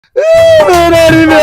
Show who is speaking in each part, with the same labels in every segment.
Speaker 1: ਮੇਰਾ ਨਹੀਂ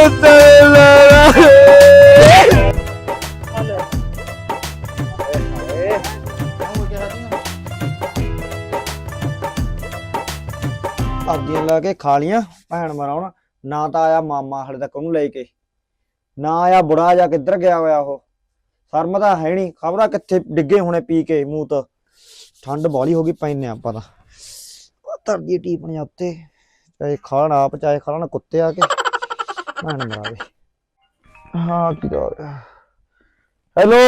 Speaker 1: ਅੱਗੇ ਲਾ ਕੇ ਖਾ ਲੀਆਂ ਭੈਣ ਮਰਾਉਣ ਨਾ ਤਾਂ ਆਇਆ ਮਾਮਾ ਹਲੇ ਤੱਕ ਉਹਨੂੰ ਲੈ ਕੇ ਨਾ ਆਇਆ ਬੁੜਾ ਜਾ ਕਿੱਧਰ ਗਿਆ ਹੋਇਆ ਉਹ ਸ਼ਰਮ ਤਾਂ ਹੈ ਨਹੀਂ ਖਬਰਾਂ ਕਿੱਥੇ ਡਿੱਗੇ ਹੋਣੇ ਪੀ ਕੇ ਮੂੰਹ ਤੋਂ ਠੰਡ ਬਾਲੀ ਹੋ ਗਈ ਪੈਨੇ ਆਪਾਂ ਤਾਂ ਤਰਦੀ ਟੀਪਣੀਆਂ ਉੱਤੇ ਚਾਹੇ ਖਾਣ ਆਪ ਚਾਹੇ ਖਾਣ ਕੁੱਤੇ ਆ ਕੇ ਭੈਣ ਮਰਾਵੇ ਹਾਂ ਕੀ ਹੋ ਰਿਹਾ ਹੈਲੋ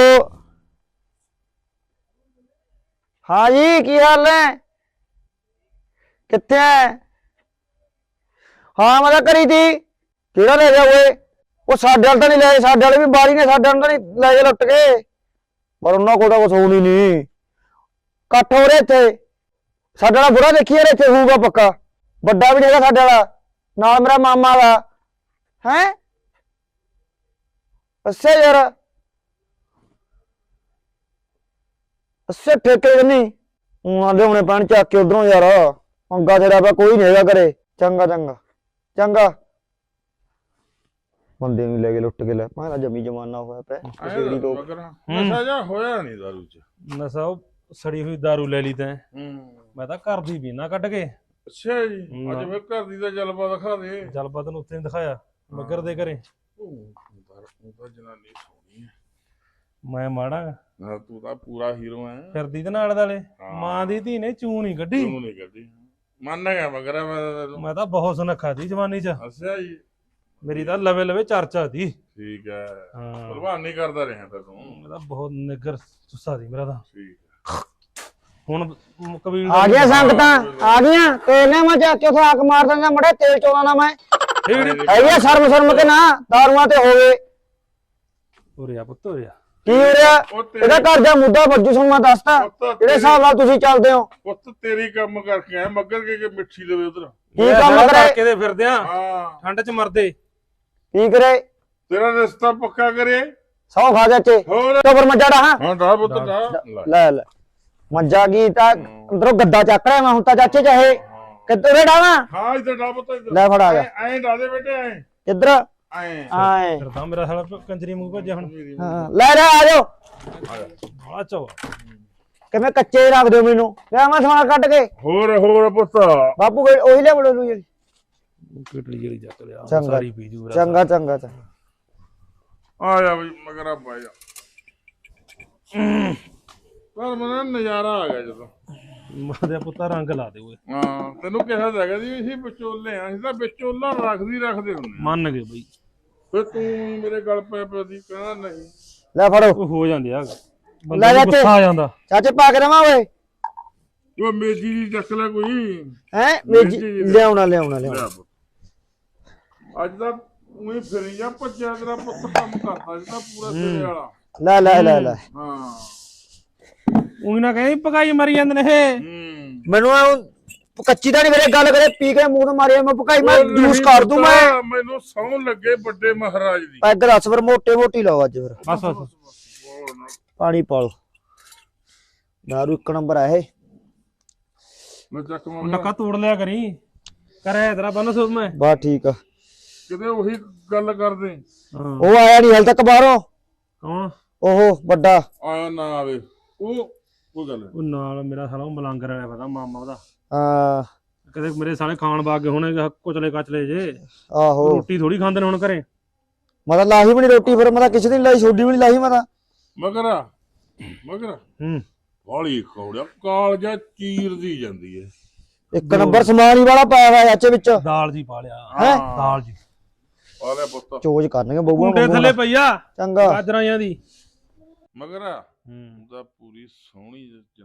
Speaker 1: ਹਾਂ ਜੀ ਕੀ ਹਾਲ ਹੈ ਕਿੱਥੇ ਹੈ ਹਾਂ ਮੈਂ ਤਾਂ ਕਰੀ ਤੀ ਕਿਹੜਾ ਲੈ ਗਿਆ ਓਏ ਉਹ ਸਾਡੇ ਵਾਲ ਤਾਂ ਨਹੀਂ ਲੈ ਸਾਡੇ ਵਾਲੇ ਵੀ ਬਾਰੀ ਨੇ ਸਾਡੇ ਵਾਲ ਤਾਂ ਨਹੀਂ ਲੈ ਜਾ ਲੁੱਟ ਕੇ ਪਰ ਉਹਨਾਂ ਕੋਲ ਤਾਂ ਕੁਛ ਹੋਣੀ ਨਹੀਂ ਇਕੱਠ ਹੋ ਰਿਹਾ ਇੱਥੇ ਸਾਡੇ ਵਾਲਾ ਬੁੜਾ ਦੇਖੀ ਯਾਰ ਇੱਥੇ ਹੋਊਗਾ ਪੱਕਾ ਵੱਡਾ ਵੀ ਨਹੀਂ ਹੈਗਾ ਸਾਡੇ ਵਾਲਾ ਨਾਲ ਮੇਰਾ ਮਾਮਾ ਦਾ ਹੈ ਅੱਛਾ ਯਾਰ ਅੱਛਾ ਠੇਕੇ ਨਹੀਂ ਉਹਨਾਂ ਦੇ ਹੁਣੇ ਪੈਣ ਚੱਕ ਕੇ ਉਧਰੋਂ ਯਾਰ ਪੰਗਾ ਤੇਰਾ ਪਿਆ ਕੋਈ ਨਹੀਂ ਹੈਗਾ ਘਰੇ ਚੰਗਾ ਚੰਗਾ ਚੰਗਾ ਬੰਦੇ ਨੂੰ ਲੈ ਕੇ ਲੁੱਟ ਕੇ ਲੈ ਮੈਂ ਤਾਂ ਜਮੀ ਜਮਾਨਾ ਹੋਇਆ ਪਿਆ ਕਿਸੇ ਤੋਂ
Speaker 2: ਨਸ਼ਾ ਜਾ ਹੋਇਆ ਨਹੀਂ ਦਾਰੂ ਚ
Speaker 3: ਨਸ਼ਾ ਉਹ ਸੜੀ ਹੋਈ ਦਾਰੂ ਲੈ ਲਈ ਤੈਂ ਮੈਂ ਤਾਂ ਘਰ ਦੀ ਪੀਣਾ ਕੱਢ ਕੇ
Speaker 2: ਅੱਛਾ ਜੀ ਅੱਜ ਮੈਂ ਘਰ ਦੀ ਦਾ ਜਲਵਾ ਦਿਖਾ ਦੇ
Speaker 3: ਜਲਪਾ ਤੈਨੂੰ ਉੱਥੇ ਨੀ ਦਿਖਾਇਆ ਮੱਗਰ ਦੇ ਘਰੇ
Speaker 2: ਤੂੰ ਤਾਂ ਜਨਾਨੀ ਸੋਹਣੀ ਹੈ
Speaker 3: ਮੈਂ ਮਾੜਾ
Speaker 2: ਨਾ ਤੂੰ ਤਾਂ ਪੂਰਾ ਹੀਰੋ ਹੈ
Speaker 3: ਫਿਰਦੀ ਤੇ ਨਾਲ ਵਾਲੇ ਮਾਂ ਦੀ ਧੀ ਨੇ ਚੂੰ ਨਹੀਂ ਕੱਢੀ
Speaker 2: ਤੂੰ ਨਹੀਂ ਕਰਦੀ ਮੰਨ ਗਿਆ ਮਗਰ
Speaker 3: ਮੈਂ ਤਾਂ ਬਹੁਤ ਸੁਨੱਖਾ ਦੀ ਜਵਾਨੀ ਚ
Speaker 2: ਅੱਛਾ ਜੀ
Speaker 3: ਮੇਰੀ ਤਾਂ ਲਵੇ ਲਵੇ ਚਰਚਾ ਦੀ
Speaker 2: ਠੀਕ ਹੈ
Speaker 3: ਹਾਂ
Speaker 2: ਪ੍ਰਵਾਨ ਨਹੀਂ ਕਰਦਾ ਰਿਹਾ ਤਾਂ ਤੂੰ
Speaker 3: ਮੈਂ ਤਾਂ ਬਹੁਤ ਨਿੱਗਰ ਸੁੱਸਾ ਦੀ ਮੇਰਾ ਤਾਂ
Speaker 2: ਠੀਕ
Speaker 3: ਹੁਣ ਕਬੀਲ
Speaker 1: ਆ ਗਿਆ ਸੰਗਤਾਂ ਆ ਗਈਆਂ ਤੇਲ ਨੇ ਮੈਂ ਚੱਕ ਕੇ ਉੱਥੇ ਆਕ ਮਾਰ ਦਿੰਦਾ ਮੜੇ ਤੇਲ ਚੋਣਾ ਨਾ ਮੈਂ ਹੈਗੀ ਸ਼ਰਮ ਸ਼ਰਮ ਕੇ ਨਾ ਦਾਰੂਆਂ ਤੇ ਹੋਵੇ
Speaker 3: ਉਰਿਆ ਪੁੱਤ ਉਰਿਆ
Speaker 1: ਕੀ ਹੋ ਰਿਹਾ ਇਹਦਾ ਘਰ ਦਾ ਮੁੱਦਾ ਵੱਜੂ ਸਾਨੂੰ ਮੈਂ ਦੱਸਤਾ ਜਿਹੜੇ ਹਿਸਾਬ ਨਾਲ ਤੁਸੀਂ ਚੱਲਦੇ ਹੋ
Speaker 2: ਪੁੱਤ ਤੇਰੀ ਕੰਮ ਕਰਕੇ ਆਇਆ ਮੱਗਰ ਕੇ ਮਿੱਠੀ ਦੇਵੇ ਉਧਰ
Speaker 1: ਕੀ ਕੰਮ ਕਰੇ
Speaker 3: ਕਿਤੇ ਫਿਰਦੇ ਆ
Speaker 2: ਹਾਂ
Speaker 3: ਠੰਡ ਚ ਮਰਦੇ
Speaker 1: ਕੀ ਕਰੇ
Speaker 2: ਤੇਰਾ ਰਿਸ਼ਤਾ ਪੱਕਾ ਕਰੇ
Speaker 1: ਸੌ ਖਾ ਚਾਚੇ
Speaker 2: ਹੋਰ
Speaker 1: ਕਬਰ ਮੱਜਾ ਡਾ
Speaker 2: ਹਾਂ ਦਾ ਪੁੱਤ ਦਾ
Speaker 1: ਲੈ ਲੈ ਮੱਜਾ ਕੀ ਤਾਂ ਅੰਦਰੋਂ ਗੱਦਾ ਚੱਕ ਰਿਹਾ ਮੈਂ ਹੁਣ ਤਾਂ ਚਾਚੇ ਚਾਹੇ ਕਿੱਧਰ ਡਾਵਾਂ
Speaker 2: ਹਾਂ ਇਧਰ ਡਾ ਪੁੱਤ ਇਧਰ
Speaker 1: ਲੈ ਫੜਾ ਜਾ
Speaker 2: ਐਂ ਡਾ ਦੇ ਬੇਟੇ ਐਂ
Speaker 1: ਕਿੱਧਰ
Speaker 2: ਐਂ
Speaker 1: ਆਏ
Speaker 3: ਫਿਰਦਾ ਮੇਰਾ ਸਾਲਾ ਕੰਜਰੀ ਮੂੰਹ ਭੱਜਿਆ ਹੁਣ
Speaker 1: ਹਾਂ ਲੈ ਲੈ ਆ ਜਾਓ
Speaker 3: ਬੜਾ ਚੋ
Speaker 1: ਕਿਵੇਂ ਕੱਚੇ ਰੱਖ ਦਿਓ ਮੈਨੂੰ ਲੈ ਮੈਂ ਸਮਾਨ ਕੱਢ ਕੇ
Speaker 2: ਹੋਰ ਪੁੱਤ
Speaker 1: ਬਾਪੂ ਉਹੀ ਲੈ ਬੜੋ ਲੂ
Speaker 3: ਕਿਟਲੀ ਜਿਹੜੀ ਚੱਕ ਲਿਆ
Speaker 1: ਚੰਗਾ
Speaker 3: ਸਾਰੀ ਪੀ ਜੂ
Speaker 1: ਚੰਗਾ ਚੰਗਾ ਚੰਗਾ
Speaker 2: ਆ ਜਾ ਬਈ ਮਗਰ ਆ ਪਾ ਜਾ ਪਰ ਮਨ ਨਜ਼ਾਰਾ ਆ ਗਿਆ ਜਦੋਂ
Speaker 3: ਮਾਦੇ ਪੁੱਤਾ ਰੰਗ ਲਾ ਦੇ ਓਏ
Speaker 2: ਹਾਂ ਤੈਨੂੰ ਕਿਹਾ ਤਾਂ ਹੈਗਾ ਸੀ ਅਸੀਂ ਵਿਚੋਲੇ ਆ ਅਸੀਂ ਤਾਂ ਵਿਚੋਲਾ ਰੱਖਦੇ ਹੁੰਦੇ
Speaker 3: ਮੰਨ ਗਏ ਬਈ
Speaker 2: ਫਿਰ ਤੂੰ ਮੇਰੇ ਗਲ ਪੈ ਦੀ ਕਹਿੰਦਾ ਨਹੀਂ
Speaker 1: ਲੈ ਫੜੋ
Speaker 3: ਉਹ ਹੋ ਜਾਂਦੇ ਆ
Speaker 1: ਲੈ
Speaker 3: ਬੰਦਾ
Speaker 1: ਜਾ
Speaker 3: ਗੁੱਸਾ ਆ ਜਾਂਦਾ
Speaker 1: ਚਾਚੇ ਪਾ ਕੇ ਦੇਵਾਂ ਓਏ
Speaker 2: ਉਹ ਮੇਜੀ ਦੀ ਚੱਕ ਲੈ ਕੋਈ
Speaker 1: ਹੈ ਮੇਜੀ ਲਿਆਉਣਾ ਲਿਆਉਣਾ ਲਿਆਉਣਾ
Speaker 2: ਲੈ ਪੁੱਤ। ਅੱਜ ਤਾਂ ਉਹੀ ਫਿਰੀ ਜਾ ਭੱਜਿਆ ਤੇਰਾ ਪੁੱਤ ਕੰਮ ਕਰਦਾ ਜਿਹੜਾ ਪੂਰਾ ਤੇਰੇ ਵਾਲਾ
Speaker 1: ਲੈ ਲੈ ਲੈ ਲੈ
Speaker 2: ਹਾਂ
Speaker 3: ਉਹੀ ਨਾ ਕਹੇ ਪਕਾਈ ਮਰੀ ਜਾਂਦੇ ਨੇ ਇਹ
Speaker 1: ਮੈਨੂੰ ਕੱਚੀ ਤਾਂ ਨਹੀਂ ਮੇਰੇ ਗੱਲ ਕਰੇ ਪੀ ਕੇ ਮੂੰਹ ਤੋਂ ਮਾਰਿਆ ਮੈਂ ਪਕਾਈ ਮੈਂ ਜੂਸ ਕਰ ਦੂੰ ਮੈਂ
Speaker 2: ਮੈਨੂੰ ਸੌਂ ਲੱਗੇ ਵੱਡੇ ਮਹਾਰਾਜ ਦੀ
Speaker 1: ਇੱਧਰ ਹੱਸ ਫਿਰ ਮੋਟੇ ਮੋਟੀ ਲਾਓ ਅੱਜ ਫਿਰ
Speaker 3: ਬਸ ਬਸ
Speaker 1: ਪਾਣੀ ਪਾਲੋ ਦਾਰੂ ਇੱਕ ਨੰਬਰ ਆ ਇਹ
Speaker 2: ਮੈਂ ਚੱਕ
Speaker 3: ਨੱਕਾ ਤੋੜ ਲਿਆ ਕਰੀ ਕਰੇ ਤੇਰਾ ਬੰਨ ਸੁਣ ਮੈਂ
Speaker 1: ਬਾ ਠੀਕ ਆ
Speaker 2: ਕਿਤੇ ਉਹੀ ਗੱਲ ਕਰਦੇ
Speaker 1: ਉਹ ਆਇਆ ਨਹੀਂ ਹਲ ਤੱਕ ਬਾਹਰੋਂ
Speaker 3: ਕੌਣ
Speaker 1: ਉਹ ਵੱਡਾ
Speaker 2: ਆਇਆ ਨਾ ਆਵੇ ਉਹ ਕੋਈ ਗੱਲ
Speaker 3: ਉਹ ਨਾਲ ਮੇਰਾ ਸਾਲਾ ਉਹ ਮਲੰਗਰ ਵਾਲਾ ਪਤਾ ਮਾਮਾ ਉਹਦਾ
Speaker 1: ਹਾਂ
Speaker 3: ਕਦੇ ਮੇਰੇ ਸਾਲੇ ਖਾਣ ਬਾਗ ਗਏ ਹੋਣੇ ਕੁਚਲੇ ਕਚਲੇ ਜੇ
Speaker 1: ਆਹੋ
Speaker 3: ਰੋਟੀ ਥੋੜੀ ਖਾਂਦੇ ਨੇ ਹੁਣ ਘਰੇ
Speaker 1: ਮੈਂ ਤਾਂ ਲਾਹੀ ਵੀ ਨਹੀਂ ਰੋਟੀ ਫਿਰ ਮੈਂ ਤਾਂ ਕਿਸੇ ਦੀ ਲਾਈ ਛੋਡੀ ਵੀ ਨਹੀਂ ਲਾਹੀ ਮੈਂ ਤਾਂ
Speaker 2: ਮਗਰ ਵਾਲੀ ਖੌੜਿਆ ਕਾਲਜਾ ਚੀਰਦੀ ਜਾਂਦੀ ਹੈ
Speaker 1: ਇੱਕ ਨੰਬਰ ਸਮਾਨ ਹੀ ਵਾਲਾ ਪਾਇਆ ਹੋਇਆ ਚਾਚੇ ਵਿੱਚ
Speaker 3: ਦਾਲ ਜੀ ਪਾ ਲਿਆ
Speaker 1: ਹੈਂ?
Speaker 3: ਦਾਲ ਜੀ
Speaker 2: ਆ ਲੈ ਪੁੱਤ
Speaker 1: ਚੋਜ ਕਰਨਗੇ ਬਹੂਆਂ
Speaker 3: ਮੁੰਡੇ ਥੱਲੇ ਪਈਆ
Speaker 1: ਚੰਗਾ
Speaker 3: ਗਾਜਰਾਂ ਜਾਂ ਦੀ
Speaker 2: ਮਗਰ ਦਾ ਪੂਰੀ ਸੋਹਣੀ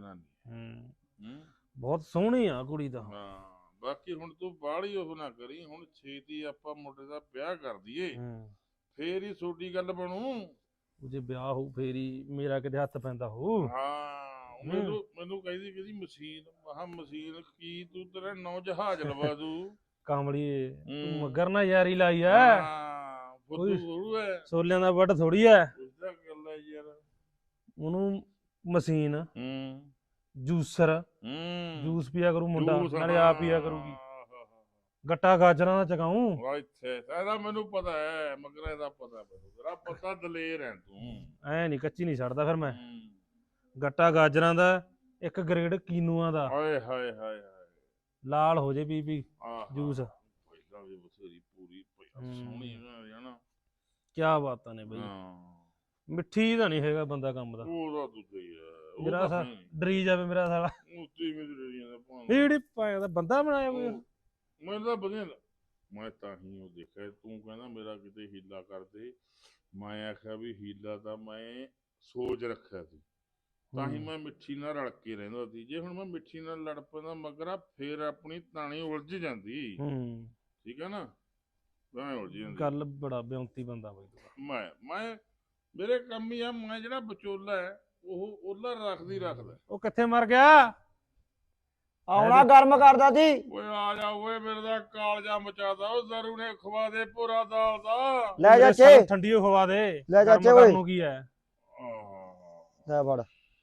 Speaker 2: ਜਨਾਨੀ
Speaker 3: ਬਹੁਤ ਸੋਹਣੀ ਆ ਕੁੜੀ ਦਾ
Speaker 2: ਹਾਂ ਬਾਕੀ ਹੁਣ ਤੂੰ ਬਾਹਲੀ ਉਹ ਨਾ ਕਰੀ ਹੁਣ ਛੇਤੀ ਆਪਾਂ ਮੁੰਡੇ ਦਾ ਵਿਆਹ ਕਰ ਦਈਏ ਫੇਰ ਹੀ ਛੋਟੀ ਗੱਲ ਬਣੂ
Speaker 3: ਜੇ ਵਿਆਹ ਹੋਊ ਫੇਰੀ ਮੇਰਾ ਕਿਤੇ ਹੱਥ ਪੈਂਦਾ ਹੋਊ
Speaker 2: ਹਾਂ ਮੈਨੂੰ ਕਹਿੰਦੀ ਮਸ਼ੀਨ ਕੀ ਤੂੰ ਤੇਰਾ ਨੌ ਜਹਾਜ਼ ਲਵਾ ਦੂ
Speaker 3: ਕਾਮਲੀਏ ਤੂੰ ਮਗਰ ਨਾ ਯਾਰੀ ਲਾਈ ਐ
Speaker 2: ਹਾਂ ਫੁੱਦੂ ਥੋੜੂ ਐ
Speaker 3: ਸੋਲਿਆਂ ਦਾ ਵੱਟ ਥੋੜੀ ਐ
Speaker 2: ਉਸਦਾ ਗੱਲ ਐ ਯਾਰ
Speaker 3: ਉਹਨੂੰ ਮਸ਼ੀਨ ਜੂਸਰ ਜੂਸ ਪੀਆ ਕਰੂ ਮੁੰਡਾ ਨਾਲੇ ਆਪ ਪੀਆ ਕਰੂਗੀ ਗੱਟਾ ਗਾਜਰਾਂ ਦਾ ਚਕਾਉਂ।
Speaker 2: ਵਾ ਇੱਥੇ ਇਹਦਾ ਮੈਨੂੰ ਪਤਾ ਹੈ, ਮਗਰ ਇਹਦਾ ਪਤਾ ਮੈਨੂੰ, ਤੇਰਾ ਪਤਾ ਦਲੇਰ ਹੈ ਤੂੰ।
Speaker 3: ਐ ਨਹੀਂ ਕੱਚੀ ਨਹੀਂ ਛੱਡਦਾ ਫਿਰ ਮੈਂ।
Speaker 2: ਹੂੰ।
Speaker 3: ਗੱਟਾ ਗਾਜਰਾਂ ਦਾ, ਇੱਕ ਗ੍ਰੇਡ ਕੀਨੂਆਂ ਦਾ,
Speaker 2: ਹਾਏ ਹਾਏ ਹਾਏ ਹਾਏ।
Speaker 3: ਲਾਲ ਹੋ ਜੇ ਪੀ
Speaker 2: ਆਹ
Speaker 3: ਜੂਸ।
Speaker 2: ਪਹਿਲਾਂ ਵੀ ਬਥੇਰੀ ਪੂਰੀ ਸੋਹਣੀ ਹੈ ਨਾ।
Speaker 3: ਕੀ ਬਾਤਾਂ ਨੇ ਬਈ।
Speaker 2: ਹਾਂ
Speaker 3: ਮਿੱਠੀ ਤਾਂ ਨਹੀਂ ਹੈਗਾ ਬੰਦਾ ਕੰਮ ਦਾ।
Speaker 2: ਉਹਦਾ ਦੂਜਾ ਹੀ ਹੈ,
Speaker 3: ਮੇਰਾ ਸਾ ਡਰੀ ਜਾਵੇ ਮੇਰਾ ਸਾਲਾ।
Speaker 2: ਉੱਤੀ ਮਿੱਤਰੀਆਂ ਦਾ ਭਾਂ
Speaker 3: ਇਹ ਜਿਹੜੀ ਪਾਇਆ ਦਾ ਬੰਦਾ ਬਣਾਇਆ ਕੋਈ।
Speaker 2: ਮੈਨੂੰ ਤਾਂ ਵਧੀਆ ਮੈਂ ਤਾਂ ਹੀ ਉਹ ਦੇਖਿਆ, ਤੂੰ ਕਹਿੰਦਾ ਮੇਰਾ ਕਿਤੇ ਹੀਲਾ ਕਰਦੇ, ਮੈਂ ਆਖਿਆ ਵੀ ਹੀਲਾ ਤਾਂ ਮੈਂ ਸੋਚ ਰੱਖਿਆ ਸੀ, ਤਾਂ ਹੀ ਮੈਂ ਮਿੱਠੀ ਨਾਲ ਰਲ ਕੇ ਰਹਿੰਦਾ ਸੀ। ਜੇ ਹੁਣ ਮੈਂ ਮਿੱਠੀ ਨਾਲ ਲੜ ਪੈਂਦਾ ਮਗਰਾ, ਫੇਰ ਆਪਣੀ ਤਾਣੀ ਉਲਝ ਜਾਂਦੀ। ਠੀਕ ਹੈ ਨਾ, ਤਾਂ ਉਲਝ ਜਾਂਦੀ।
Speaker 3: ਗੱਲ ਬੜਾ ਬਿਉਂਤੀ ਬੰਦਾ ਬਈ।
Speaker 2: ਮੈਂ ਮੇਰੇ ਕੰਮ ਹੀ ਆ, ਮੈਂ ਜਿਹੜਾ ਵਿਚੋਲਾ ਹੈ ਉਹ ਉਹਲਾ ਰੱਖਦਾ।
Speaker 3: ਉਹ ਕਿੱਥੇ ਮਰ ਗਿਆ?
Speaker 1: ਆਉਣਾ ਗਰਮ ਕਰਦਾ ਸੀ।
Speaker 2: ਓਏ ਆ ਜਾ ਓਏ, ਮੇਰੇ ਦਾ ਕਾਲਜਾ ਮਚਾਦਾ ਉਹ ਜ਼ਰੂ ਨੇ, ਖਵਾ ਦੇ ਭੋਰਾ ਦਾਲ ਦਾ।
Speaker 1: ਲੈ ਚਾਚੇ,
Speaker 3: ਠੰਡੀ ਹੋ ਖਵਾ ਦੇ।
Speaker 1: ਲੈ ਚਾਚੇ
Speaker 3: ਗਰਮ
Speaker 1: ਓਏ।
Speaker 3: ਕਰਨ ਨੂੰ ਕੀ ਹੈ?
Speaker 1: ਲੈ ਫੜ।